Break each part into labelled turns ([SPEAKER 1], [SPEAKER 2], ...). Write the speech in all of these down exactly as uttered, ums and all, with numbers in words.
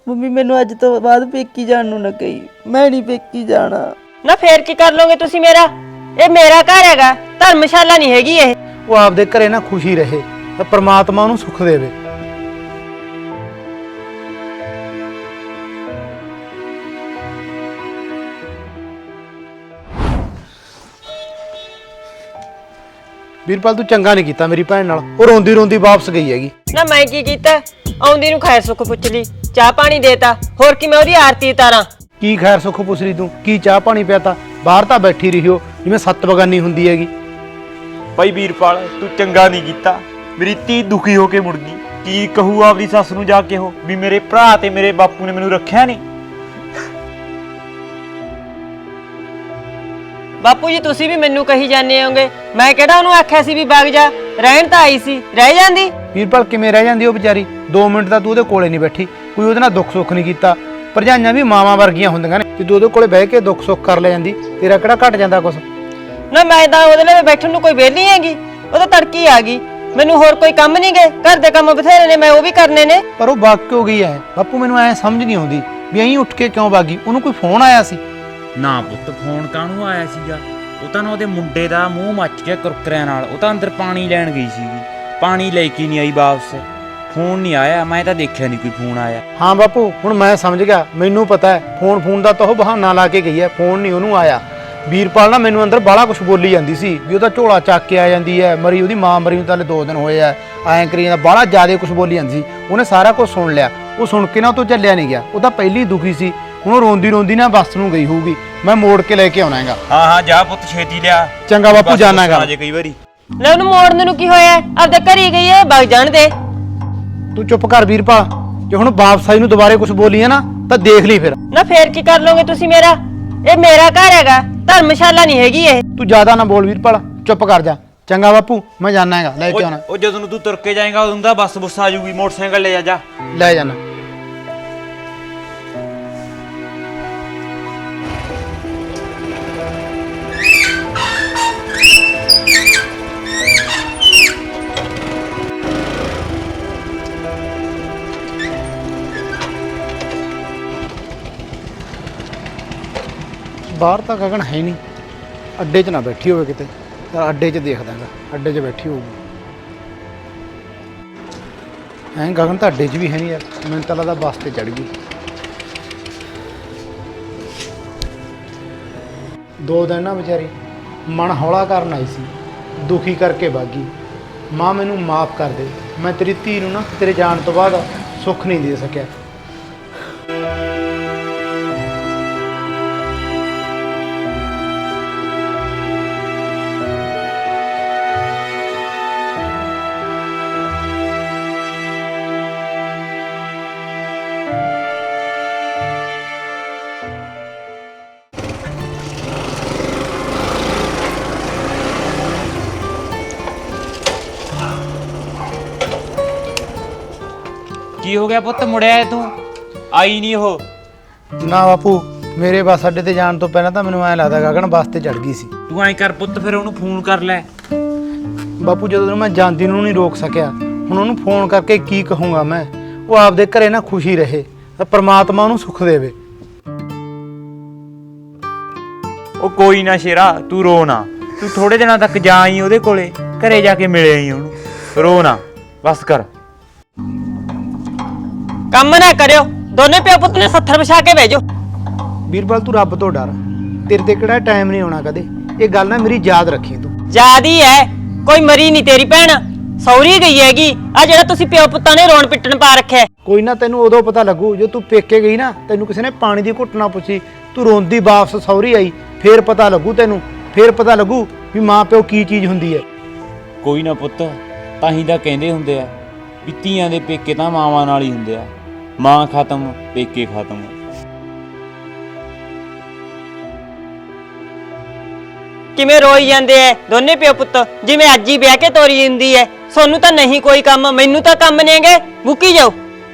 [SPEAKER 1] Mummy ਮੈਨੂੰ ਅੱਜ ਤੋਂ ਬਾਅਦ ਪੇਕੀ ਜਾਣ ਨੂੰ ਨਾ ਕਹੀ, ਮੈਂ ਨਹੀਂ ਪੇਕੀ ਜਾਣਾ।
[SPEAKER 2] ਨਾ ਫੇਰ ਕੀ ਕਰ ਲੋਗੇ ਤੁਸੀਂ ਮੇਰਾ? ਇਹ ਮੇਰਾ ਘਰ ਹੈਗਾ, ਧਰਮਸ਼ਾਲਾ ਨਹੀਂ ਹੈਗੀ ਇਹ।
[SPEAKER 3] ਉਹ ਆਪਦੇ ਘਰੇ ਨਾ ਖੁਸ਼ੀ ਰਹੇ ਤਾਂ ਪ੍ਰਮਾਤਮਾ ਉਹਨੂੰ ਸੁੱਖ ਦੇਵੇ। ਵੀਰਪਾਲ ਤੂੰ ਚੰਗਾ ਨਹੀਂ ਕੀਤਾ ਮੇਰੀ ਭੈਣ ਨਾਲ, ਉਹ ਰੋਂਦੀ ਰੋਂਦੀ ਵਾਪਸ ਗਈ ਹੈਗੀ।
[SPEAKER 2] ਨਾ ਮੈਂ ਕੀ ਕੀਤਾ? ਆਉਂਦੀ ਨੂੰ ਖੈਰ ਸੁੱਖ ਪੁੱਛ ਲਈ, ਚਾਹ ਪਾਣੀ ਦੇਤਾ, ਹੋਰ ਕੀ ਮੈਂ ਉਹਦੀ ਆਰਤੀ ਉਤਾਰਾਂ?
[SPEAKER 3] ਕੀ ਖੈਰ ਸੁੱਖ ਪੁੱਛ ਰਹੀ ਤੂੰ? ਕੀ ਚਾਹ ਪਾਣੀ ਪਿਆਤਾ? ਬਾਹਰ ਤਾਂ ਬੈਠੀ ਰਹੀ ਹੋ ਜਿਵੇਂ ਸੱਤ ਬਗਾਨੀ ਹੁੰਦੀ ਹੈਗੀ।
[SPEAKER 4] ਭਾਈ ਵੀਰਪਾਲ ਤੂੰ ਚੰਗਾ ਨਹੀਂ ਕੀਤਾ, ਮੇਰੀ ਧੀ ਦੁਖੀ ਹੋ ਕੇ ਮੁੜ ਗਈ। ਕੀ ਕਹੂ ਆਪਦੀ ਸੱਸ ਨੂੰ ਜਾ ਕੇ ਉਹ ਵੀ ਮੇਰੇ ਭਰਾ ਤੇ ਮੇਰੇ ਬਾਪੂ ਨੇ ਮੈਨੂੰ ਰੱਖਿਆ ਨਹੀਂ।
[SPEAKER 2] ਬਾਪੂ ਜੀ ਤੁਸੀਂ ਵੀ ਮੈਨੂੰ ਕਹੀ ਜਾਂਦੇ ਹੋਗੇ, ਮੈਂ ਕਿਹੜਾ ਉਹਨੂੰ ਆਖਿਆ ਸੀ ਵੀ ਵਗ ਜਾ, ਰਹਿਣ ਤਾਂ ਆਈ ਸੀ, ਰਹਿ ਜਾਂਦੀ।
[SPEAKER 3] ਵੀਰਪਾਲ ਕਿਵੇਂ ਰਹਿ ਜਾਂਦੀ ਉਹ ਵਿਚਾਰੀ? ਦੋ ਮਿੰਟ ਤਾਂ ਤੂੰ ਉਹਦੇ ਕੋਲੇ ਨਹੀਂ ਬੈਠੀ, ਕੋਈ ਉਹਦੇ ਨਾਲ ਦੁੱਖ ਸੁੱਖ ਨਹੀਂ ਕੀਤਾ। ਭਰਜਾਈਆਂ ਵੀ ਮਾਵਾਂ ਵਰਗੀਆਂ ਹੁੰਦੀਆਂ ਨੇ, ਜੇ ਤੂੰ ਉਹਦੇ ਕੋਲੇ ਬਹਿ ਕੇ ਦੁੱਖ ਸੁੱਖ ਕਰ ਲੈ ਜਾਂਦੀ, ਤੇਰਾ ਕਿਹੜਾ ਘਟ ਜਾਂਦਾ ਕੁਛ?
[SPEAKER 2] ਨਾ ਮੈਂ ਤਾਂ ਉਹਦੇ ਲਈ ਬੈਠਣ ਨੂੰ ਕੋਈ ਵਿਹਲੀ ਹੈਗੀ, ਉਹ ਤਾਂ ਤੜਕੀ ਆ ਗਈ। ਮੈਨੂੰ ਹੋਰ ਕੋਈ ਕੰਮ ਨਹੀਂ ਗਏ, ਘਰ ਦੇ ਕੰਮ ਬਥੇਰੇ ਨੇ, ਮੈਂ ਉਹ ਵੀ ਕਰਨੇ ਨੇ।
[SPEAKER 3] ਪਰ ਉਹ ਵਗ ਕਿਉਂ ਗਈ ਐ ਬਾਪੂ? ਮੈਨੂੰ ਐ ਸਮਝ ਨਹੀਂ ਆਉਂਦੀ ਵੀ ਐਂ ਉੱਠ ਕੇ ਕਿਉਂ ਵਾਗੀ? ਉਹਨੂੰ ਕੋਈ ਫੋਨ ਆਇਆ ਸੀ?
[SPEAKER 5] ਨਾ ਪੁੱਤ ਫੋਨ ਕਾਹਨੂੰ ਆਇਆ ਸੀਗਾ? ਉਹ ਤਾਂ ਨਾ ਉਹਦੇ ਮੁੰਡੇ ਦਾ ਮੂੰਹ ਮੱਚ ਗਿਆ ਕੁਰਕਰਿਆਂ ਨਾਲ, ਉਹ ਤਾਂ ਅੰਦਰ ਪਾਣੀ ਲੈਣ ਗਈ ਸੀਗੀ, ਪਾਣੀ ਲੈ ਕੇ ਨਹੀਂ ਆਈ ਵਾਪਸ। ਫੋਨ ਨਹੀਂ ਆਇਆ, ਮੈਂ ਤਾਂ ਦੇਖਿਆ ਨਹੀਂ ਕੋਈ ਫੋਨ ਆਇਆ।
[SPEAKER 3] ਹਾਂ ਬਾਪੂ ਹੁਣ ਮੈਂ ਸਮਝ ਗਿਆ, ਮੈਨੂੰ ਪਤਾ ਹੈ ਫੋਨ ਫੋਨ ਦਾ ਤਾਂ ਉਹ ਬਹਾਨਾ ਲਾ ਕੇ ਗਈ ਹੈ, ਫੋਨ ਨਹੀਂ ਉਹਨੂੰ ਆਇਆ। ਵੀਰਪਾਲ ਨਾ ਮੈਨੂੰ ਅੰਦਰ ਬਾਹਲਾ ਕੁਛ ਬੋਲੀ ਜਾਂਦੀ ਸੀ ਵੀ ਉਹਦਾ ਝੋਲਾ ਚੱਕ ਕੇ ਆ ਜਾਂਦੀ ਹੈ, ਮਰੀ ਉਹਦੀ ਮਾਂ ਮਰੀ ਨੂੰ ਤਾਂ ਹਲੇ ਦੋ ਦਿਨ ਹੋਏ ਆ, ਐਂ ਕਰੀ ਜਾਂਦਾ, ਬਾਹਲਾ ਜ਼ਿਆਦਾ ਕੁਛ ਬੋਲੀ ਜਾਂਦੀ ਸੀ। ਉਹਨੇ ਸਾਰਾ ਕੁਝ ਸੁਣ ਲਿਆ, ਉਹ ਸੁਣ ਕੇ ਨਾ ਉਹ ਤੋਂ ਚੱਲਿਆ ਨਹੀਂ ਗਿਆ। ਉਹ ਤਾਂ ਪਹਿਲੀ ਦੁਖੀ ਸੀ, ਹੁਣ ਉਹ ਰੋਂਦੀ ਰੋਂਦੀ ਨਾ ਬੱਸ ਨੂੰ ਗਈ ਹੋਊਗੀ, ਮੈਂ ਮੋੜ ਕੇ ਲੈ ਕੇ ਆਉਣਾ ਹੈਗਾ।
[SPEAKER 4] ਹਾਂ ਹਾਂ ਜਾ ਪੁੱਤ ਛੇਤੀ ਲਿਆ।
[SPEAKER 3] ਚੰਗਾ ਬਾਪੂ ਜਾਣਾ ਹੈਗਾ।
[SPEAKER 4] ਅਜੇ ਕਈ ਵਾਰੀ
[SPEAKER 2] ਲੈ ਉਹਨੂੰ ਮੋੜਨ ਨੂੰ ਕੀ ਹੋਇਆ? ਆਪਦੇ ਘਰ ਹੀ ਗਈ ਹੈ, ਵਗ ਜਾਣ ਦੇ।
[SPEAKER 3] ਤੂੰ ਚੁੱਪ ਕਰ ਵੀਰਪਾਲ, ਜੇ ਹੁਣ ਵਾਪਸ ਆਈ ਨੂੰ ਦੁਬਾਰੇ ਕੁਛ ਬੋਲੀ ਹੈ ਨਾ ਤਾਂ ਦੇਖ ਲਈ ਫਿਰ।
[SPEAKER 2] ਨਾ ਫੇਰ ਕੀ ਕਰ ਲੋਗੇ ਤੁਸੀਂ ਮੇਰਾ? ਇਹ ਮੇਰਾ ਘਰ ਹੈਗਾ, ਧਰਮਸ਼ਾਲਾ ਨਹੀਂ ਹੈਗੀ ਇਹ।
[SPEAKER 3] ਤੂੰ ਜ਼ਿਆਦਾ ਨਾ ਬੋਲ ਵੀਰਪਾਲ, ਚੁੱਪ ਕਰ ਜਾ। ਚੰਗਾ ਬਾਪੂ ਮੈਂ ਜਾਣਾ ਹੈਗਾ, ਲੈ ਕੇ ਆਉਣਾ।
[SPEAKER 4] ਉਹ ਜਦੋਂ ਨੂੰ ਤੂੰ ਤੁਰ ਕੇ ਜਾਏਗਾ ਉਦੋਂ ਦਾ ਬੱਸ ਬੁੱਸ ਆ ਜੂਗੀ, ਮੋਟਰਸਾਈਕਲ ਲੈ ਜਾ ਜਾ।
[SPEAKER 3] ਲੈ ਜਾਣਾ। ਬਾਹਰ ਤਾਂ ਗਗਨ ਹੈ ਨਹੀਂ, ਅੱਡੇ 'ਚ ਨਾ ਬੈਠੀ ਹੋਵੇ ਕਿਤੇ, ਤਾਂ ਅੱਡੇ 'ਚ ਦੇਖਦਾ ਗਾ, ਅੱਡੇ 'ਚ ਬੈਠੀ ਹੋਊਗੀ। ਐਂ ਗਗਨ ਤਾਂ ਅੱਡੇ 'ਚ ਵੀ ਹੈ ਨਹੀਂ ਯਾਰ, ਮੈਨੂੰ ਤਾਂ ਲੱਗਦਾ ਬੱਸ ਤੇ ਚੜ੍ਹ ਗਈ। ਦੋ ਦਿਨ ਨਾ ਵਿਚਾਰੀ ਮਨ ਹੌਲਾ ਕਰਨ ਆਈ ਸੀ, ਦੁਖੀ ਕਰਕੇ ਬਾਗੀ। ਮਾਂ ਮੈਨੂੰ ਮਾਫ ਕਰ ਦੇ, ਮੈਂ ਤੇਰੀ ਧੀ ਨੂੰ ਨਾ ਤੇਰੇ ਜਾਣ ਤੋਂ ਬਾਅਦ ਸੁੱਖ ਨਹੀਂ ਦੇ ਸਕਿਆ।
[SPEAKER 5] ਕੀ ਹੋ ਗਿਆ ਪੁੱਤ, ਮੁੜਿਆ ਤੂੰ? ਆਈ ਨਹੀਂ ਉਹ?
[SPEAKER 3] ਨਾ ਬਾਪੂ, ਮੇਰੇ ਬੱਸ ਅੱਡੇ ਤੇ ਜਾਣ ਤੋਂ ਪਹਿਲਾਂ ਤਾਂ ਮੈਨੂੰ ਐਂ ਲੱਗਦਾ ਗਗਨ ਬੱਸ ਤੇ ਚੜ ਗਈ ਸੀ।
[SPEAKER 5] ਤੂੰ ਐਂ ਕਰ ਪੁੱਤ, ਫਿਰ ਉਹਨੂੰ ਫੋਨ ਕਰ ਲੈ।
[SPEAKER 3] ਬਾਪੂ ਜਦੋਂ ਮੈਂ ਜਾਂਦੀ ਨੂੰ ਨਹੀਂ ਰੋਕ ਸਕਿਆ, ਹੁਣ ਉਹਨੂੰ ਫੋਨ ਕਰਕੇ ਕੀ ਕਹੂੰਗਾ ਮੈਂ? ਉਹ ਆਪਦੇ ਘਰੇ ਨਾ ਖੁਸ਼ੀ ਰਹੇ ਤਾਂ ਪ੍ਰਮਾਤਮਾ ਉਹਨੂੰ ਸੁੱਖ ਦੇਵੇ।
[SPEAKER 4] ਉਹ ਕੋਈ ਨਾ ਸ਼ੇਰਾ, ਤੂੰ ਰੋ ਨਾ, ਤੂੰ ਥੋੜੇ ਦਿਨਾਂ ਤੱਕ ਜਾ ਆਈ ਉਹਦੇ ਕੋਲੇ, ਘਰੇ ਜਾ ਕੇ ਮਿਲੇ ਆਈ ਉਹਨੂੰ, ਰੋ ਨਾ, ਬਸ ਕਰ।
[SPEAKER 2] ਕੰਮ ਨਾ ਕਰਿਓ, ਦੋਨੇ ਪਿਓ ਪੁੱਤ ਨੇ ਸੱਥਰ ਵਿਛਾ ਕੇ ਭੇਜੋ।
[SPEAKER 3] ਵੀਰਪਾਲ ਤੂੰ ਰੱਬ ਤੋਂ ਡਰ, ਤੇਰੇ ਤੇ ਕਿਹੜਾ ਟਾਈਮ ਨਹੀਂ ਆਉਣਾ ਕਦੇ। ਇਹ ਗੱਲ ਨਾ ਮੇਰੀ ਯਾਦ ਰੱਖੀ ਤੂੰ।
[SPEAKER 2] ਯਾਦ ਹੀ ਹੈ, ਕੋਈ ਮਰੀ ਨਹੀਂ ਤੇਰੀ ਭੈਣ, ਸੌਰੀ ਗਈ ਹੈਗੀ। ਆ ਜਿਹੜਾ ਤੁਸੀਂ ਪਿਓ ਪੁੱਤਾਂ ਨੇ ਰੋਣ ਪਿੱਟਣ ਪਾ ਰੱਖਿਆ।
[SPEAKER 3] ਕੋਈ ਨਾ, ਤੈਨੂੰ ਉਦੋਂ ਪਤਾ ਲੱਗੂ ਜਦੋਂ ਤੂੰ ਪੇਕੇ ਗਈ ਨਾ, ਤੈਨੂੰ ਕਿਸੇ ਨੇ ਪਾਣੀ ਦੀ ਘੁੱਟ ਨਾ ਪੁੱਛੀ, ਤੂੰ ਰੋਂਦੀ ਵਾਪਸ ਸੌਰੀ ਆਈ, ਫੇਰ ਪਤਾ ਲੱਗੂ ਤੈਨੂੰ, ਫੇਰ ਪਤਾ ਲੱਗੂ ਵੀ ਮਾਂ ਪਿਓ ਕੀ ਚੀਜ਼ ਹੁੰਦੀ ਹੈ।
[SPEAKER 5] ਕੋਈ ਨਾ ਪੁੱਤ, ਤਾਂ ਹੀ ਤਾਂ ਕਹਿੰਦੇ ਹੁੰਦੇ ਆ ਵੀ ਧੀਆਂ ਦੇ ਪੇਕੇ ਤਾਂ ਮਾਵਾਂ ਨਾਲ ਹੀ ਹੁੰਦੇ ਆ, ਮਾਂ ਖਤਮ ਪੇਕੇ ਖਤਮ।
[SPEAKER 2] ਕਿਵੇਂ ਰੋਈ ਜਾਂਦੇ ਐ ਦੋਨੇ ਪਿਓ ਪੁੱਤ, ਜਿਵੇਂ ਅੱਜ ਹੀ ਵਿਆਹ ਕੇ ਤੋਰੀ ਹੁੰਦੀ ਐ। ਸੋਨੂੰ ਤਾਂ ਨਹੀਂ ਕੋਈ ਕੰਮ, ਮੈਨੂੰ ਤਾਂ ਕੰਮ ਨੇਗੇ, ਮੁੱਕੀ ਜਾਓ।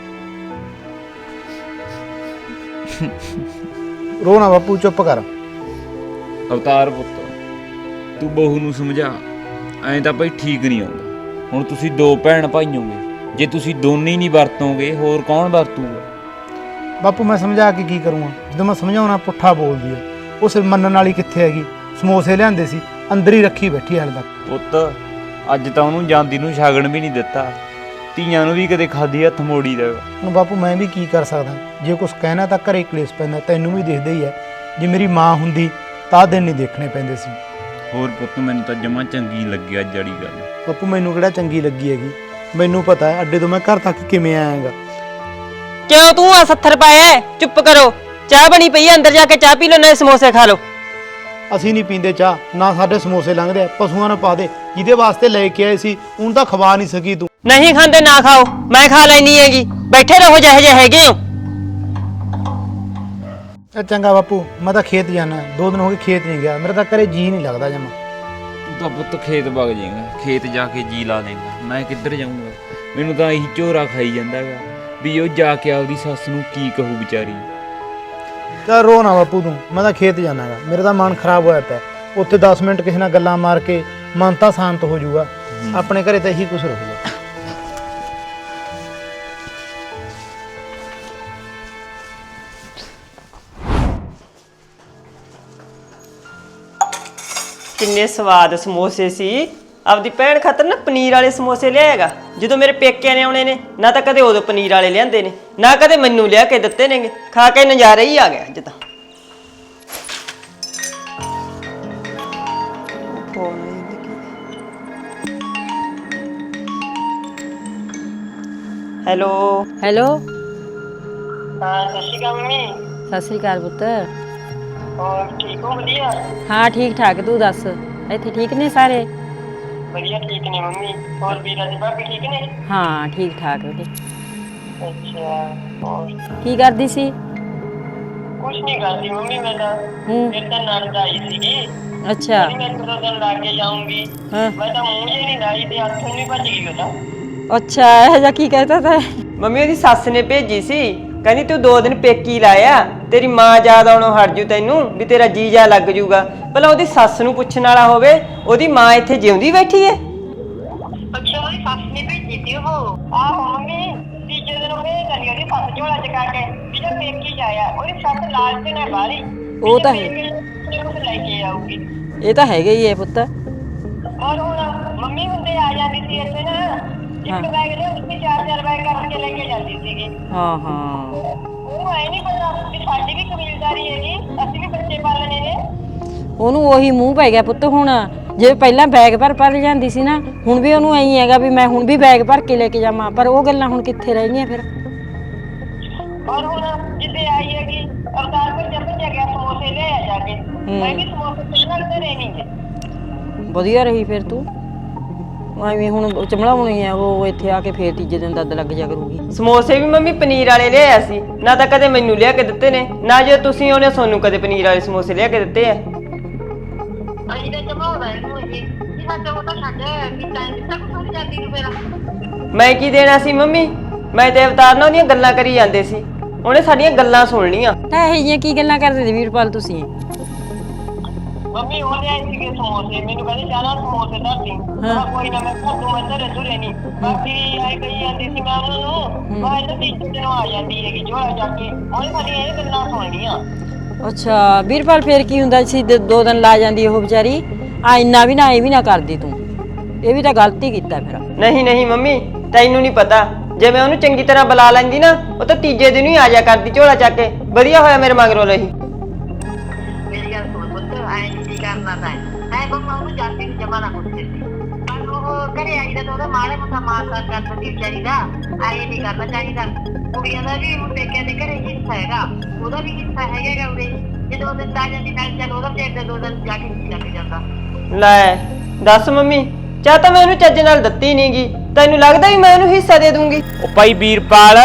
[SPEAKER 3] ਰੋਣਾ ਬਾਪੂ, ਚੁੱਪ ਕਰ।
[SPEAKER 5] ਅਵਤਾਰ ਪੁੱਤ, ਤੂੰ ਬਹੂ ਨੂੰ ਸਮਝਾ, ਐਂ ਤਾਂ ਭਾਈ ਠੀਕ ਨਹੀਂ ਆਉਂਦਾ। ਹੁਣ ਤੁਸੀਂ ਦੋ ਭੈਣ ਭਾਈ ਹੋਗੇ, ਜੇ ਤੁਸੀਂ ਦੋਨੇ ਹੀ ਨਹੀਂ ਵਰਤੋਗੇ ਹੋਰ ਕੌਣ ਵਰਤੂਗਾ?
[SPEAKER 3] ਬਾਪੂ ਮੈਂ ਸਮਝਾ ਕੇ ਕੀ ਕਰੂੰਗਾ, ਜਦੋਂ ਮੈਂ ਸਮਝਾਉਣਾ ਪੁੱਠਾ ਬੋਲਦੀ ਆ। ਉਹ ਸਿਰ ਮੰਨਣ ਵਾਲੀ ਕਿੱਥੇ ਹੈਗੀ। ਸਮੋਸੇ ਲਿਆਂਦੇ ਸੀ ਅੰਦਰ ਹੀ ਰੱਖੀ ਬੈਠੀ ਹਾਲੇ ਤੱਕ।
[SPEAKER 5] ਪੁੱਤ ਅੱਜ ਤਾਂ ਉਹਨੂੰ ਜਾਂਦੀ ਨੂੰ ਛਾਗਣ ਵੀ ਨਹੀਂ ਦਿੱਤਾ, ਧੀਆਂ ਨੂੰ ਵੀ ਕਦੇ ਖਾਦੀ ਹੱਥ ਮੋੜੀ ਦਾ।
[SPEAKER 3] ਹੁਣ ਬਾਪੂ ਮੈਂ ਵੀ ਕੀ ਕਰ ਸਕਦਾ, ਜੇ ਕੁਛ ਕਹਿਣਾ ਤਾਂ ਘਰੇ ਕਲੇਸ਼ ਪੈਂਦਾ, ਤੈਨੂੰ ਵੀ ਦਿਖਦਾ ਹੀ ਹੈ। ਜੇ ਮੇਰੀ ਮਾਂ ਹੁੰਦੀ ਤਾਂ ਦਿਨ ਨਹੀਂ ਦੇਖਣੇ ਪੈਂਦੇ ਸੀ।
[SPEAKER 5] ਹੋਰ ਪੁੱਤ ਮੈਨੂੰ ਤਾਂ ਜਮਾਂ ਚੰਗੀ ਲੱਗੀ ਅੱਜ ਵਾਲੀ ਗੱਲ।
[SPEAKER 3] ਬਾਪੂ ਮੈਨੂੰ ਕਿਹੜਾ ਚੰਗੀ ਲੱਗੀ ਹੈਗੀ, ਮੈਨੂੰ ਪਤਾ ਹੈ ਅੱਡੇ ਤੋਂ ਮੈਂ ਘਰ ਤੱਕ ਕਿਵੇਂ ਆਇਆਗਾ।
[SPEAKER 2] ਕਿਉਂ ਤੂੰ ਆ ਸੱਥਰ ਪਾਇਆ? ਚੁੱਪ ਕਰੋ, ਚਾਹ ਬਣੀ ਪਈ ਹੈ, ਅੰਦਰ ਜਾ ਕੇ ਚਾਹ ਪੀ ਲਓ, ਨਾਲੇ ਸਮੋਸੇ ਖਾ ਲਓ।
[SPEAKER 3] ਅਸੀਂ ਨਹੀਂ ਪੀਂਦੇ ਚਾਹ, ਨਾ ਸਾਡੇ ਸਮੋਸੇ ਲੰਘਦੇ ਆ। ਪਸ਼ੂਆਂ ਨੂੰ ਪਾ ਦੇ, ਜਿਹਦੇ ਵਾਸਤੇ ਲੈ ਕੇ ਆਏ ਸੀ ਉਹਨੂੰ ਤਾਂ ਖਵਾ ਨਹੀਂ ਸਕੀ ਤੂੰ।
[SPEAKER 2] ਨਹੀਂ ਖਾਂਦੇ ਨਾ ਖਾਓ, ਮੈਂ ਖਾ ਲੈਣੀ ਹੈਗੀ। ਬੈਠੇ ਰਹੋ ਜਿਹੇ ਜਿਹੇ ਹੈਗੇ ਹੋ।
[SPEAKER 3] ਇਹ ਚੰਗਾ ਬਾਪੂ, ਮੈਂ ਤਾਂ ਖੇਤ ਜਾਣਾ, ਦੋ ਦਿਨ ਹੋ ਗਏ ਖੇਤ ਨਹੀਂ ਗਿਆ, ਮੇਰਾ ਤਾਂ ਘਰੇ ਜੀ ਨਹੀਂ ਲੱਗਦਾ ਜਮਾ।
[SPEAKER 5] ਤੂੰ ਤਾਂ ਪੁੱਤ ਖੇਤ ਵਗ ਜਾਏਗਾ, ਖੇਤ ਜਾ ਕੇ ਜੀ ਲਾ ਦੇਗਾ, ਮੈਂ ਕਿੱਧਰ ਜਾਊਂਗਾ। ਮੈਨੂੰ ਤਾਂ ਇਹੀ ਝੋਰਾ ਖਾਈ ਜਾਂਦਾ ਹੈਗਾ ਵੀ ਉਹ ਜਾ ਕੇ ਆਪਦੀ ਸੱਸ ਨੂੰ ਕੀ ਕਹੂ ਵਿਚਾਰੀ।
[SPEAKER 3] ਤਾਂ ਰੋ ਨਾ ਬਾਪੂ ਤੂੰ, ਮੈਂ ਤਾਂ ਖੇਤ ਜਾਣਾਗਾ, ਮੇਰਾ ਤਾਂ ਮਨ ਖਰਾਬ ਹੋਇਆ ਪਿਆ। ਉੱਥੇ ਦਸ ਮਿੰਟ ਕਿਸੇ ਨਾਲ ਗੱਲਾਂ ਮਾਰ ਕੇ ਮਨ ਤਾਂ ਸ਼ਾਂਤ ਹੋ ਜਾਊਗਾ। ਆਪਣੇ ਘਰੇ ਤਾਂ ਇਹੀ ਕੁਝ ਰਹੂਗਾ।
[SPEAKER 2] ਕਿੰਨੇ ਸਵਾਦ ਸਮੋਸੇ ਸੀ। ਆਪਦੀ ਭੈਣ ਖਾਤਰ ਨਾ ਪਨੀਰ ਵਾਲੇ ਸਮੋਸੇ ਲਿਆਏਗਾ। ਜਦੋਂ ਮੇਰੇ ਪੇਕਿਆਂ ਨੇ ਆਉਣੇ ਨੇ, ਨਾ ਤਾਂ ਕਦੇ ਉਦੋਂ ਪਨੀਰ ਵਾਲੇ ਲਿਆਂਦੇ ਨੇ, ਨਾ ਕਦੇ ਮੈਨੂੰ ਲਿਆ ਕੇ ਦਿੱਤੇ ਨੇਗੇ। ਖਾ ਕੇ ਨਜ਼ਾਰਾ ਹੀ ਆ ਗਿਆ ਅੱਜ ਤਾਂ। ਹੈਲੋ
[SPEAKER 6] ਹੈਲੋ,
[SPEAKER 2] ਹਾਂ, ਸਤਿ ਸ਼੍ਰੀ ਅਕਾਲ ਮੰਮੀ।
[SPEAKER 6] ਸਤਿ ਸ੍ਰੀ ਅਕਾਲ ਪੁੱਤ।
[SPEAKER 2] ਹੋਰ ਠੀਕ ਹੋ? ਵਧੀਆ
[SPEAKER 6] ਹਾਂ ਠੀਕ ਠਾਕ, ਤੂੰ ਦੱਸ ਇੱਥੇ ਠੀਕ ਨੇ ਸਾਰੇ?
[SPEAKER 2] ਵਧੀਆ ਠੀਕ ਨੇ ਮੰਮੀ। ਹੋਰ ਵੀਰਾ ਜੀ ਭਾਬੀ ਠੀਕ ਨੇ?
[SPEAKER 6] ਹਾਂ ਠੀਕ ਠਾਕ ਬੇਟੇ।
[SPEAKER 2] ਅੱਛਾ, ਹੋਰ
[SPEAKER 6] ਕੀ ਕਰਦੀ ਸੀ?
[SPEAKER 2] ਕੁਛ ਨਹੀਂ ਕਰਦੀ ਮੰਮੀ, ਮੈਂ ਤਾਂ
[SPEAKER 6] ਹੂੰ
[SPEAKER 2] ਫਿਰ ਤਾਂ ਨਣਦ ਆਈ ਸੀਗੀ।
[SPEAKER 6] ਅੱਛਾ
[SPEAKER 2] ਮੈਂ ਦੋ ਦਿਨ ਲਾ ਕੇ ਜਾਊਂਗੀ।
[SPEAKER 6] ਹਾਂ
[SPEAKER 2] ਮੈਂ ਤਾਂ ਮੂੰਹ ਜੇ ਨਹੀਂ ਲਾਈ ਤੇ ਹੱਥੋਂ ਨਹੀਂ ਭੱਜ ਗਈ ਉਹਦਾ।
[SPEAKER 6] ਅੱਛਾ, ਇਹ ਜਿਹਾ ਕੀ ਕਹਿਤਾ ਤਾ?
[SPEAKER 2] ਮੰਮੀ ਉਹਦੀ ਸੱਸ ਨੇ ਭੇਜੀ ਸੀ, ਕਹਿੰਦੀ ਤੂੰ ਦੋ ਦਿਨ ਪੇਕੀ ਲਾਇਆ, ਤੇਰੀ ਮਾਂ ਯਾਦ ਆਉਣੋਂ ਹਟ ਜੂ ਤੈਨੂੰ, ਵੀ ਤੇਰਾ ਜੀਜਾ ਲੱਗ ਜੂਗਾ। ਭਲਾ ਉਹਦੀ ਸੱਸ ਨੂੰ ਪੁੱਛਣ ਵਾਲਾ ਹੋਵੇ, ਉਹਦੀ ਮਾਂ ਇੱਥੇ ਜਿਉਂਦੀ ਬੈਠੀ ਹੈ।
[SPEAKER 7] ਅੱਛਾ, ਉਹਦੀ ਸੱਸ ਨੇ ਭੇਜੀ ਸੀ ਉਹ। ਆਹੋ ਮੰਮੀ, ਤੀਜੇ ਦਿਨ ਉਹ ਭੇਜ ਦਿੰਦੀ ਉਹਦੀ ਸੱਸ ਝੋਲਾ ਚਕਾ ਕੇ ਵੀ ਜੇ ਪੇਕੀ ਜਾਇਆ। ਉਹਦੀ ਸੱਸ ਲਾਲਚ ਨੇ ਬਾਹਲੀ,
[SPEAKER 6] ਉਹ ਤਾਂ ਹੈ,
[SPEAKER 7] ਕੁਝ ਲੈ ਕੇ ਆਊਗੀ।
[SPEAKER 6] ਇਹ ਤਾਂ ਹੈਗਾ ਹੀ ਹੈ ਪੁੱਤ।
[SPEAKER 7] ਔਰ ਹੁਣ ਮੰਮੀ ਹੁੰਦੇ ਆ ਜਾਂਦੀ ਸੀ ਇੱਥੇ ਨਾ,
[SPEAKER 6] ਹਾਂ।
[SPEAKER 7] ਇੱਕ ਬੈਗ ਦੇ ਉੱਤੇ ਚਾਰ ਚਾਰ ਬੈਗ ਕਰਕੇ ਲੈ ਕੇ ਜਾਂਦੀ ਸੀਗੀ।
[SPEAKER 6] ਹਾਂ ਹਾਂ,
[SPEAKER 7] ਉਹਨੂੰ ਐ ਨਹੀਂ ਪਤਾ ਵੀ ਸਾਡੀ ਵੀ ਕਬੀਲਦਾਰੀ ਹੈਗੀ, ਅਸੀਂ ਵੀ ਬੱਚੇ ਪਾਲਣੇ ਨੇ।
[SPEAKER 6] ਉਹਨੂੰ ਉਹੀ ਮੂੰਹ ਪੈ ਗਿਆ ਪੁੱਤ। ਹੁਣ ਜੇ ਪਹਿਲਾਂ ਬੈਗ ਭਰ ਭਰ ਜਾਂਦੀ ਸੀ ਨਾ, ਹੁਣ ਵੀ ਉਹਨੂੰ ਐਂ ਹੈਗਾ ਵੀ ਮੈਂ ਹੁਣ ਵੀ ਬੈਗ ਭਰ ਕੇ ਲੈ ਕੇ ਜਾਵਾਂ। ਪਰ ਉਹ ਗੱਲਾਂ ਹੁਣ ਕਿੱਥੇ ਰਹਿ ਗਈਆਂ ਫਿਰ।
[SPEAKER 7] ਔਰ ਹੁਣ ਜਿੱਦੇ ਆਈ ਹੈਗੀ ਅਵਤਾਰ ਪਰ ਜੰਮ ਜਾ ਗਿਆ, ਸਮੋਸੇ ਲੈ ਆ ਜਾ ਕੇ। ਮੈਂ ਵੀ ਸਮੋਸੇ ਪਹਿਲਾਂ ਘਰੇ ਨਹੀਂ ਗਏ।
[SPEAKER 6] ਵਧੀਆ ਰਹੀ ਫਿਰ ਤੂੰ। ਐਵੇਂ ਹੁਣ ਚਮਲਾਉਣੀ ਆ ਉਹ, ਇੱਥੇ ਆ ਕੇ ਫੇਰ ਤੀਜੇ ਦਿਨ ਦੱਦ ਲੱਗ ਜਾ ਕਰੂਗੀ।
[SPEAKER 2] ਸਮੋਸੇ ਵੀ ਮੰਮੀ ਪਨੀਰ ਵਾਲੇ ਲਿਆਇਆ ਸੀ, ਨਾ ਤਾਂ ਕਦੇ ਮੈਨੂੰ ਲਿਆ ਕੇ ਦਿੱਤੇ ਨੇ, ਨਾ ਜੇ ਤੁਸੀਂ ਉਹਨੇ ਤੁਹਾਨੂੰ ਕਦੇ ਪਨੀਰ ਵਾਲੇ ਸਮੋਸੇ ਲਿਆ ਕੇ ਦਿੱਤੇ ਆ।
[SPEAKER 7] ਅਸੀਂ ਤਾਂ ਜਮਾਉਂਦਾ ਇਹਨੂੰ ਇਹ ਕਿ ਸਾਡਾ ਉਹ ਤਾਂ ਛੱਡ ਵੀ ਟਾਈਮ ਤੱਕ ਸੁਣ ਜਾਂਦੀ ਨੂੰ ਮੇਰਾ।
[SPEAKER 2] ਮੈਂ ਕੀ ਦੇਣਾ ਸੀ ਮੰਮੀ? ਮੈਂ ਤੇ ਅਵਤਾਰ ਨਾਲ ਉਹਦੀਆਂ ਗੱਲਾਂ ਕਰੀ ਜਾਂਦੇ ਸੀ, ਉਹਨੇ ਸਾਡੀਆਂ ਗੱਲਾਂ ਸੁਣ ਲੀਆਂ।
[SPEAKER 6] ਤਾਂ ਇਹ ਜਿਹੀਆਂ ਕੀ ਗੱਲਾਂ ਕਰਦੇ ਸੀ ਵੀਰਪਾਲ ਤੁਸੀਂ?
[SPEAKER 7] ਮੰਮੀ ਉਹ ਲਿਆਏ ਸੀਗੇ ਸਮੋਸੇ, ਮੈਨੂੰ ਕਹਿੰਦੇ ਚਾਹ ਨਾਲ ਸਮੋਸੇ ਧਰ ਦੀ। ਮੈਂ ਕੋਈ ਨਾ, ਮੈਂ ਘਰ ਨੂੰ ਮੈਂ ਧਰੇ ਧੁਰੇ ਨਹੀਂ। ਬਾਕੀ ਆਏ ਕਹੀ ਜਾਂਦੀ ਸੀ ਮੈਂ ਉਹਨਾਂ ਨੂੰ, ਮੈਂ ਇਹਨਾਂ ਤੀਜੇ ਦਿਨ ਆ ਜਾਂਦੀ ਹੈਗੀ ਝੋਲਾ ਜਾ ਕੇ। ਉਹਨੇ ਸਾਡੀਆਂ ਇਹ ਗੱਲਾਂ ਸੁਣ ਲੀਆਂ।
[SPEAKER 6] ਅੱਛਾ ਵੀਰਪਾਲ, ਫੇਰ ਕੀ ਹੁੰਦਾ ਸੀ? ਦ- ਦੋ ਦਿਨ ਲਾ ਜਾਂਦੀ ਉਹ ਵਿਚਾਰੀ। ਆ ਇੰਨਾ ਵੀ ਨਾ ਇਹ ਵੀ ਨਾ ਕਰਦੀ ਤੂੰ, ਇਹ ਵੀ ਤਾਂ ਗਲਤੀ ਕੀਤਾ ਫਿਰ।
[SPEAKER 2] ਨਹੀਂ ਨਹੀਂ ਮੰਮੀ, ਤੈਨੂੰ ਨਹੀਂ ਪਤਾ, ਜੇ ਮੈਂ ਉਹਨੂੰ ਚੰਗੀ ਤਰ੍ਹਾਂ ਬੁਲਾ ਲੈਂਦੀ ਨਾ, ਉਹ ਤਾਂ ਤੀਜੇ ਦਿਨ ਹੀ ਆ ਜਾ ਕਰਦੀ ਝੋਲਾ ਚੱਕ ਕੇ। ਵਧੀਆ ਹੋਇਆ ਮੇਰੇ ਮਗਰੋਂ ਰਹੀ।
[SPEAKER 7] ਮੇਰੀ ਗੱਲ ਸੁਣ ਪੁੱਤ, ਐਂ ਨਹੀਂ ਕਰਨਾ ਤਾਂ ਐ ਬੰਮਾ ਉਹਨੂੰ ਜਾਂਦੀ ਨੂੰ ਜਮਾ ਨਾ ਪੁੱਛਦੇ ਸੀ। ਪਰ ਉਹ ਘਰੇ ਆਈ ਦਾ ਉਹਦਾ ਮਾੜੇ ਮੋਟਾ ਮਾਰ ਕਰ ਕਰ ਦਿੰਦੀ ਵਿਚਾਰੀ ਦਾ। ਐਂ ਨਹੀਂ ਕਰਨਾ ਚਾਹੀਦਾ। ਕੁੜੀਆਂ ਦਾ ਵੀ ਹੁਣ ਪੇਕਿਆਂ ਦੇ ਘਰੇ ਹਿੱਸਾ ਹੈਗਾ, ਉਹਦਾ ਵੀ ਹਿੱਸਾ ਹੈਗਾ ਉਹਦੇ। ਜੇ ਦੋ ਦਿਨ ਲਾ ਜਾਂਦੀ ਨਾਲ ਚੱਲ ਉਹਦਾ ਪੇਟ ਦੇ ਦੋ ਦਿਨ ਜਾ ਕੇ ਲੱਗ ਜਾਂਦਾ।
[SPEAKER 2] ਲੈ ਦੱਸ ਮੰਮੀ, ਚਾਹ ਤਾਂ ਮੈਂ ਉਹਨੂੰ ਚੱਜ ਨਾਲ ਦਿੱਤੀ ਨਹੀਂਗੀ, ਤੈਨੂੰ ਲੱਗਦਾ ਵੀ ਮੈਂ ਉਹਨੂੰ ਹਿੱਸਾ ਦੇ ਦੂੰਗੀ?
[SPEAKER 5] ਉਹ ਭਾਈ ਵੀਰਪਾਲ,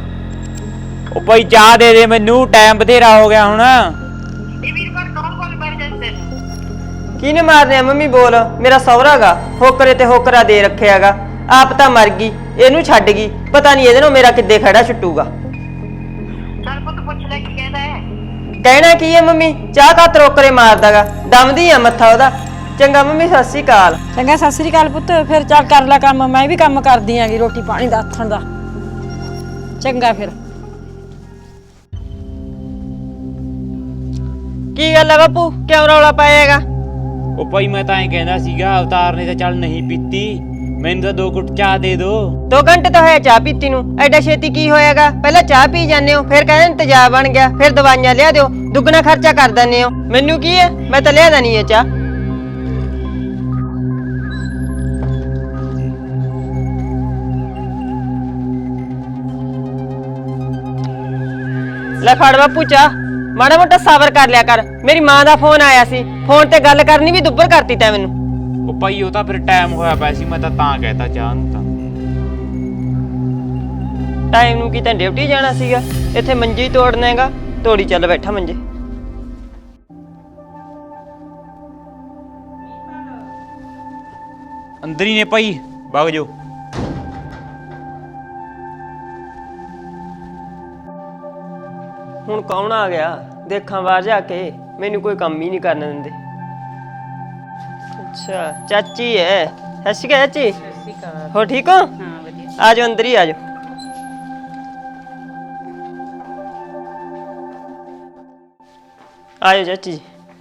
[SPEAKER 5] ਉਹ ਭਾਈ ਚਾਹ ਦੇ ਦੇ ਮੈਨੂੰ, ਟਾਈਮ ਬਥੇਰਾ ਹੋ ਗਿਆ ਹੁਣ।
[SPEAKER 7] ਇਹ ਵੀਰ ਪਰ ਕੌਣ ਕੋਲ ਬੈਠ ਜਾਂਦੇ ਨੇ?
[SPEAKER 2] ਕਿਹਨੇ ਮਾਰਨੇ ਆ ਮੰਮੀ? ਬੋਲ। ਮੇਰਾ ਸਹੁਰਾ ਗਾ, ਹੋਕਰੇ ਤੇ ਹੋਕਰਾ ਦੇ ਰੱਖਿਆਗਾ। ਆਪ ਤਾਂ ਮਰ ਗਈ, ਇਹਨੂੰ ਛੱਡ ਗਈ, ਪਤਾ ਨਹੀਂ ਇਹਦੇ ਨਾਲ ਮੇਰਾ ਕਿੱਦੇ ਖੜਾ ਛੁੱਟੂਗਾ।
[SPEAKER 7] ਚੱਲ ਪੁੱਤ ਪੁੱਛ ਲੈ ਕੀ ਕਹਿੰਦਾ ਹੈ।
[SPEAKER 2] ਕਹਿਣਾ ਕੀ ਹੈ ਮੰਮੀ? ਚਾਹ ਕਾ ਤਰੋਕਰੇ ਮਾਰਦਾਗਾ, ਦਮਦੀ ਆ ਮੱਥਾ ਉਹਦਾ। ਚੰਗਾ ਮੰਮੀ, ਸਤਿ ਸ਼੍ਰੀ ਅਕਾਲ।
[SPEAKER 6] ਚੰਗਾ, ਸਤਿ ਸ੍ਰੀ ਅਕਾਲ ਪੁੱਤ। ਫਿਰ ਚੱਲ ਕਰ ਲੈ ਕੰਮ, ਮੈਂ ਵੀ ਕੰਮ ਕਰਦੀ ਆਂਗੀ ਰੋਟੀ ਪਾਣੀ ਦਾ ਆਥਣ ਦਾ। ਚੰਗਾ ਫਿਰ।
[SPEAKER 2] ਕੀ ਗੱਲ ਆ ਬਾਪੂ ਕਿਉਂ ਰੌਲਾ ਪਾਏਗਾ?
[SPEAKER 5] ਉਹ ਭਾਈ ਮੈਂ ਤਾਂ ਐਂ ਕਹਿੰਦਾ ਸੀਗਾ ਅਵਤਾਰ ਨੇ ਤਾਂ ਚੱਲ ਨਹੀਂ ਪੀਤੀ, ਮੈਨੂੰ ਤਾਂ ਦੋ ਘੁੱਟ ਚਾਹ ਦੇ ਦੋ।
[SPEAKER 2] ਦੋ ਘੰਟੇ ਤਾਂ ਹੋਇਆ ਚਾਹ ਪੀਤੀ ਨੂੰ, ਐਡਾ ਛੇਤੀ ਕੀ ਹੋਏਗਾ? ਪਹਿਲਾਂ ਚਾਹ ਪੀ ਜਾਂਦੇ ਹੋ, ਫਿਰ ਕਹਿੰਦੇ ਤੇਜ਼ਾਬ ਬਣ ਗਿਆ, ਫਿਰ ਦਵਾਈਆਂ ਲਿਆ ਦਿਓ, ਦੁੱਗਣਾ ਖਰਚਾ ਕਰ ਦਿੰਦੇ ਹੋ। ਮੈਨੂੰ ਕੀ ਹੈ, ਮੈਂ ਤਾਂ ਲਿਆਦਾ ਨਹੀਂ ਹੈ ਚਾਹ। ਲੈ ਫੜ ਬਾਪੂ ਚਾਹ, ਮਾੜਾ ਮੋਟਾ ਸਬਰ ਕਰ ਲਿਆ ਕਰ। ਮੇਰੀ ਮਾਂ ਦਾ ਫੋਨ ਆਇਆ ਸੀ, ਫੋਨ ਤੇ ਗੱਲ ਕਰਨੀ ਵੀ ਦੁੱਬਰ ਕਰਤੀ ਤੈਂ ਮੈਨੂੰ।
[SPEAKER 5] ਉਹ ਭਾਈ ਉਹ ਤਾਂ ਫਿਰ ਟਾਈਮ ਹੋਇਆ ਪਿਆ ਸੀ, ਮੈਂ ਤਾਂ ਤਾਂ ਕਹਿਤਾ ਚਾਹ ਨੂੰ। ਤਾਂ
[SPEAKER 2] ਟਾਈਮ ਨੂੰ ਕੀ ਤਾਂ ਡਿਊਟੀ ਜਾਣਾ ਸੀਗਾ, ਇੱਥੇ ਮੰਜੀ ਤੋੜਨਾ ਹੈਗਾ, ਤੋੜੀ ਚੱਲ ਬੈਠਾ ਮੰਜੇ।
[SPEAKER 5] ਅੰਦਰ ਹੀ ਨੇ ਭਾਈ, ਵਗ ਜਾਓ।
[SPEAKER 2] ਹੁਣ ਕੌਣ ਆ ਗਿਆ ਦੇਖਾਂ ਬਾਹਰ ਜਾ ਕੇ, ਮੈਨੂੰ ਕੋਈ ਕੰਮ ਹੀ ਨਹੀਂ ਕਰਨ ਦਿੰਦੇ। ਅੱਛਾ ਚਾਚੀ ਹੈ, ਸਤਿ ਸ਼੍ਰੀ ਅਕਾਲ ਚਾਚੀ।
[SPEAKER 8] ਸਤਿ ਸ਼੍ਰੀ ਅਕਾਲ।
[SPEAKER 2] ਹੋ ਠੀਕ ਹੋ?
[SPEAKER 8] ਹਾਂ ਵਧੀਆ।
[SPEAKER 2] ਆ ਜਾਓ ਅੰਦਰ ਹੀ ਆ ਜਾਓ। ਆ ਜਾਓ ਚਾਚੀ ਜੀ,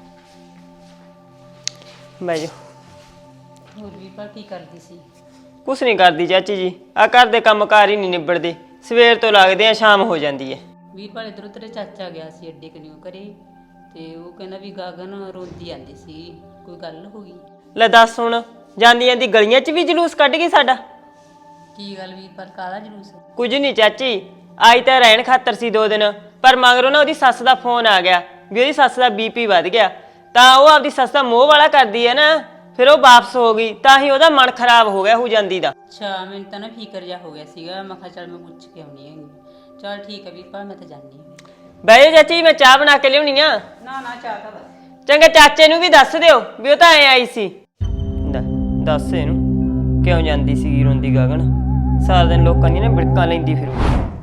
[SPEAKER 2] ਬਹਿ ਜਾਓ।
[SPEAKER 8] ਹੋਰ ਵੀਰਪਾਲ ਕੀ ਕਰਦੀ ਸੀ?
[SPEAKER 2] ਕੁਛ ਨਹੀਂ ਕਰਦੀ ਚਾਚੀ ਜੀ, ਆ ਘਰ ਦੇ ਕੰਮ ਕਾਰ ਹੀ ਨਹੀਂ ਨਿਬੜਦੇ, ਸਵੇਰ ਤੋਂ ਲੱਗਦੇ ਆ ਸ਼ਾਮ ਹੋ ਜਾਂਦੀ ਹੈ।
[SPEAKER 8] ਵੀਰਪਾਲ ਇੱਧਰੋਂ ਤੇਰੇ ਚਾਚਾ ਗਿਆ ਸੀ ਅੱਡੇ ਕਨਿਓ ਘਰੇ, ਤੇ ਉਹ ਕਹਿੰਦਾ ਵੀ ਗਾਗਨ ਰੋਂਦੀ ਆਂਦੀ ਸੀ, ਕੋਈ ਗੱਲ ਹੋ ਗਈ?
[SPEAKER 2] ਲੈ ਦੱਸ ਹੁਣ, ਜਾਂਦੀ ਜਾਂਦੀ ਗਲੀਆਂ 'ਚ ਵੀ ਜਲੂਸ ਕੱਢ ਗਈ ਸਾਡਾ।
[SPEAKER 8] ਕੀ ਗੱਲ ਵੀਰਪਾਲ, ਕਾਹਦਾ ਜਲੂਸ?
[SPEAKER 2] ਕੁਝ ਨਹੀਂ ਚਾਚੀ, ਆਈ ਤਾਂ ਰਹਿਣ ਖਾਤਰ ਸੀ ਦੋ ਦਿਨ, ਪਰ ਮਗਰੋਂ ਨਾ ਉਹਦੀ ਸੱਸ ਦਾ ਫੋਨ ਆ ਗਿਆ ਵੀ ਉਹਦੀ ਸੱਸ ਦਾ ਬੀਪੀ ਵੱਧ ਗਿਆ, ਤਾਂ ਉਹ ਆਪਦੀ ਸੱਸ ਦਾ ਮੋਹ ਵਾਲਾ ਕਰਦੀ ਹੈ ਨਾ, ਫਿਰ ਉਹ ਵਾਪਸ ਹੋ ਗਈ, ਤਾਂ ਹੀ ਉਹਦਾ ਮਨ ਖਰਾਬ ਹੋ ਗਿਆ ਹੋ ਜਾਂਦੀ ਦਾ।
[SPEAKER 8] ਅੱਛਾ ਮੈਨੂੰ ਤਾਂ ਨਾ ਫਿਕਰ ਜਿਹਾ ਹੋ ਗਿਆ ਸੀਗਾ, ਮੈਂ ਕਿਹਾ ਚੱਲ ਮੈਂ ਪੁੱਛ ਕੇ ਆਉਣੀ ਹੈਗੀ। ਚੱਲ ਠੀਕ ਹੈ ਵੀਰਪਾਲ, ਮੈਂ ਤਾਂ ਜਾਣੀ ਹਾਂ।
[SPEAKER 2] ਬਹਿ ਜਾ ਚਾਚੀ, ਮੈਂ ਚਾਹ ਬਣਾ ਕੇ ਲਿਆਉਣੀ ਆ।
[SPEAKER 8] ਨਾ ਨਾ ਚਾਹ ਤਾਂ ਬਸ।
[SPEAKER 2] ਚੰਗਾ ਚਾਚੇ ਨੂੰ ਵੀ ਦੱਸ ਦਿਓ ਵੀ ਉਹ ਤਾਂ ਐ ਆਈ ਸੀ। ਲੈ, ਦੱਸ ਇਹਨੂੰ ਕਿਉਂ ਜਾਂਦੀ ਸੀ ਰੋਂਦੀ ਗਗਨ, ਸਾਰਾ ਦਿਨ ਲੋਕਾਂ ਦੀਆਂ ਨਾ ਬਿੜਕਾਂ ਲੈਂਦੀ ਫਿਰੂ।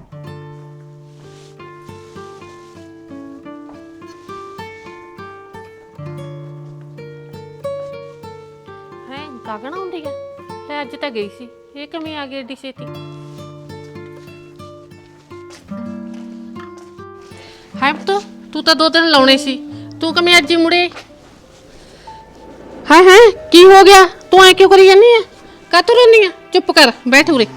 [SPEAKER 9] ਹੈ ਗਗਨ ਆਉਂਦੀ ਆ? ਲੈ ਅੱਜ ਤਾਂ ਗਈ ਸੀ, ਇਹ ਕਿਵੇਂ ਆ ਗਈ ਏਡੀ ਛੇਤੀ? ਹੈ ਪੁੱਤ, ਤੂੰ ਤਾਂ ਦੋ ਦਿਨ ਲਾਉਣੇ ਸੀ, ਤੂੰ ਕਿਵੇਂ ਅੱਜ ਹੀ ਮੁੜੇ? ਹਾਂ ਹਾਂ ਕੀ ਹੋ ਗਿਆ, ਤੂੰ ਐ ਕਿਉਂ ਕਰੀ ਜਾਂਦੀ ਆ? ਕਾਹਤੋਂ ਰੋਂਦੀ ਆ? ਚੁੱਪ ਕਰ, ਬੈਠ ਉਰੇ।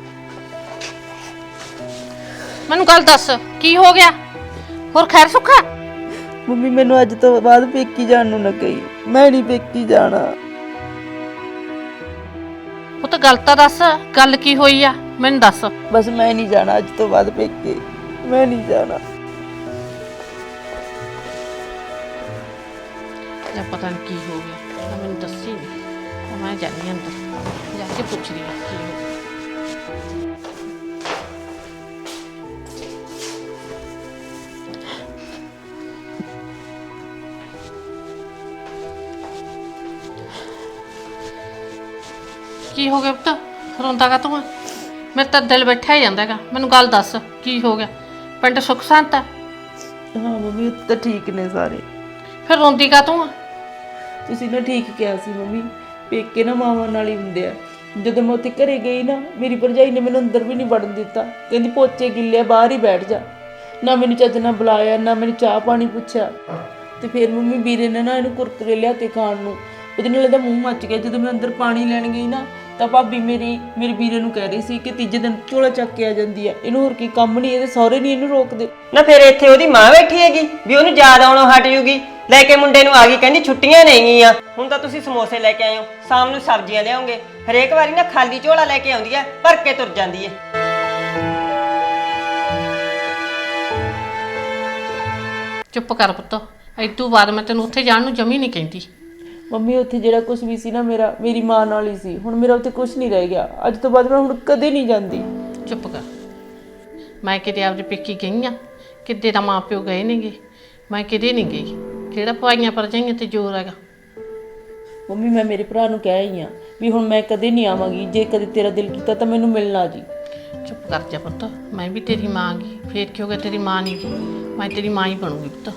[SPEAKER 9] ਮੈਨੂੰ ਗੱਲ ਦੱਸ, ਕੀ ਹੋ ਗਿਆ? ਹੋਰ ਖੈਰ ਸੁੱਖਾ?
[SPEAKER 1] ਮੰਮੀ ਮੈਨੂੰ ਅੱਜ ਤੋਂ ਬਾਅਦ ਪੇਕੀ ਜਾਣ ਨੂੰ ਨਾ ਕਹੀ, ਮੈਂ ਨਹੀਂ ਪੇਕੀ ਜਾਣਾ।
[SPEAKER 9] ਉਹ ਤਾਂ ਗੱਲ ਤਾਂ ਦੱਸ, ਗੱਲ ਕੀ ਹੋਈ ਆ ਮੈਨੂੰ ਦੱਸ।
[SPEAKER 1] ਬਸ ਮੈਂ ਨਹੀਂ ਜਾਣਾ ਅੱਜ ਤੋਂ ਬਾਅਦ ਪੇਕੇ, ਮੈਂ ਨਹੀਂ ਜਾਣਾ।
[SPEAKER 9] ਜਾਂ ਪਤਾ ਨਹੀਂ ਕੀ ਹੋ ਗਿਆ, ਤਾਂ ਮੈਨੂੰ ਦੱਸੀ ਨਹੀਂ, ਮੈਂ ਜਾਣੀ ਅੰਦਰ ਜਾ ਕੇ ਪੁੱਛਦੀ ਹਾਂ ਕੀ ਹੋ ਗਿਆ। ਕੀ ਹੋ ਗਿਆ ਪੁੱਤ, ਰੋਂਦਾ ਕਾ ਤੂੰ? ਮੇਰਾ ਤਾਂ ਦਿਲ ਬੈਠਾ ਹੀ ਜਾਂਦਾ ਹੈਗਾ, ਮੈਨੂੰ ਗੱਲ ਦੱਸ ਕੀ ਹੋ ਗਿਆ? ਪਿੰਡ ਸੁੱਖ ਸ਼ਾਂਤ ਆ?
[SPEAKER 1] ਹਾਂ ਮੰਮੀ ਉੱਥੇ ਤਾਂ ਠੀਕ ਨੇ ਸਾਰੇ।
[SPEAKER 9] ਫਿਰ ਰੋਂਦੀ ਕਾ ਤੂੰ?
[SPEAKER 1] ਤੁਸੀਂ ਨਾ ਠੀਕ ਕਿਹਾ ਸੀ ਮੰਮੀ, ਪੇਕੇ ਨਾ ਮਾਵਾਂ ਨਾਲ ਹੀ ਹੁੰਦੇ ਆ। ਜਦੋਂ ਮੈਂ ਉੱਥੇ ਘਰੇ ਗਈ ਨਾ, ਮੇਰੀ ਭਰਜਾਈ ਨੇ ਮੈਨੂੰ ਅੰਦਰ ਵੀ ਨਹੀਂ ਵੜਨ ਦਿੱਤਾ, ਕਹਿੰਦੀ ਪੋਚੇ ਗਿੱਲੇ ਬਾਹਰ ਹੀ ਬੈਠ ਜਾ। ਨਾ ਮੈਨੂੰ ਚੱਜ ਨਾਲ ਬੁਲਾਇਆ, ਨਾ ਮੈਨੂੰ ਚਾਹ ਪਾਣੀ ਪੁੱਛਿਆ। ਤੇ ਫਿਰ ਮੰਮੀ ਵੀਰੇ ਨੇ ਨਾ ਇਹਨੂੰ ਕੁਰਕਰੇ ਲਿਆ ਤੇ ਖਾਣ ਨੂੰ, ਉਹਦੇ ਨਾਲ ਇਹਦਾ ਮੂੰਹ ਮੱਚ ਗਿਆ। ਜਦੋਂ ਮੈਂ ਅੰਦਰ ਪਾਣੀ ਲੈਣ ਗਈ ਨਾ, ਤਾਂ ਭਾਬੀ ਮੇਰੀ ਮੇਰੇ ਵੀਰੇ ਨੂੰ ਕਹਿ ਰਹੀ ਸੀ ਕਿ ਤੀਜੇ ਦਿਨ ਝੋਲਾ ਚੱਕ ਕੇ ਆ ਜਾਂਦੀ ਹੈ, ਇਹਨੂੰ ਹੋਰ ਕੀ ਕੰਮ ਨਹੀਂ, ਇਹਦੇ ਸਹੁਰੇ ਨਹੀਂ ਇਹਨੂੰ ਰੋਕਦੇ।
[SPEAKER 2] ਨਾ ਫਿਰ ਇੱਥੇ ਉਹਦੀ ਮਾਂ ਬੈਠੀ ਹੈਗੀ ਵੀ ਉਹਨੂੰ ਯਾਦ ਆਉਣੋਂ ਹਟ ਜੂਗੀ, ਲੈ ਕੇ ਮੁੰਡੇ ਨੂੰ ਆ ਗਈ, ਕਹਿੰਦੀ ਛੁੱਟੀਆਂ ਨਹੀਂਗੀਆਂ। ਹੁਣ ਤਾਂ ਤੁਸੀਂ ਸਮੋਸੇ ਲੈ ਕੇ ਆਏ ਹੋ, ਸ਼ਾਮ ਨੂੰ ਸਬਜ਼ੀਆਂ ਲਿਆਉਂਗੇ, ਹਰੇਕ ਵਾਰੀ ਨਾ ਖਾਲੀ ਝੋਲਾ ਲੈ ਕੇ ਆਉਂਦੀ ਹੈ, ਭਰ ਕੇ ਤੁਰ ਜਾਂਦੀ ਹੈ।
[SPEAKER 9] ਚੁੱਪ ਕਰ ਪੁੱਤ, ਇਦੋਂ ਬਾਅਦ ਮੈਂ ਤੈਨੂੰ ਉੱਥੇ ਜਾਣ ਨੂੰ ਜਮੀ ਨਹੀਂ ਕਹਿੰਦੀ।
[SPEAKER 1] ਮੰਮੀ ਉੱਥੇ ਜਿਹੜਾ ਕੁਝ ਵੀ ਸੀ ਨਾ ਮੇਰਾ, ਮੇਰੀ ਮਾਂ ਨਾਲ ਹੀ ਸੀ। ਹੁਣ ਮੇਰਾ ਉੱਥੇ ਕੁਝ ਨਹੀਂ ਰਹਿ ਗਿਆ, ਅੱਜ ਤੋਂ ਬਾਅਦ ਮੈਂ ਹੁਣ ਕਦੇ ਨਹੀਂ ਜਾਂਦੀ।
[SPEAKER 9] ਚੁੱਪ ਕਰ, ਮੈਂ ਕਿਤੇ ਆਪਦੇ ਪੇਕੀ ਗਈ ਆ, ਕਿਤੇ ਦਾ ਮਾਂ ਪਿਓ ਗਏ ਨੇਗੇ, ਮੈਂ ਕਿਤੇ ਨਹੀਂ ਗਈ। ਕਿਹੜਾ ਭਾਈਆਂ ਭਰਜਾਈਆਂ ਤੇ ਜ਼ੋਰ ਹੈਗਾ?
[SPEAKER 1] ਮੰਮੀ ਮੈਂ ਮੇਰੇ ਭਰਾ ਨੂੰ ਕਹਿ ਹੀ ਆ ਵੀ ਹੁਣ ਮੈਂ ਕਦੇ ਨਹੀਂ ਆਵਾਂਗੀ, ਜੇ ਕਦੇ ਤੇਰਾ ਦਿਲ ਕੀਤਾ ਤਾਂ ਮੈਨੂੰ ਮਿਲਣਾ ਜੀ।
[SPEAKER 9] ਚੁੱਪ ਕਰ ਜਾ ਪੁੱਤ, ਮੈਂ ਵੀ ਤੇਰੀ ਮਾਂ ਗੀ, ਫੇਰ ਕੀ ਹੋ ਗਿਆ? ਤੇਰੀ ਮਾਂ ਨਹੀਂ ਗੀ, ਮੈਂ ਤੇਰੀ ਮਾਂ ਹੀ ਬਣੂਗੀ ਪੁੱਤ।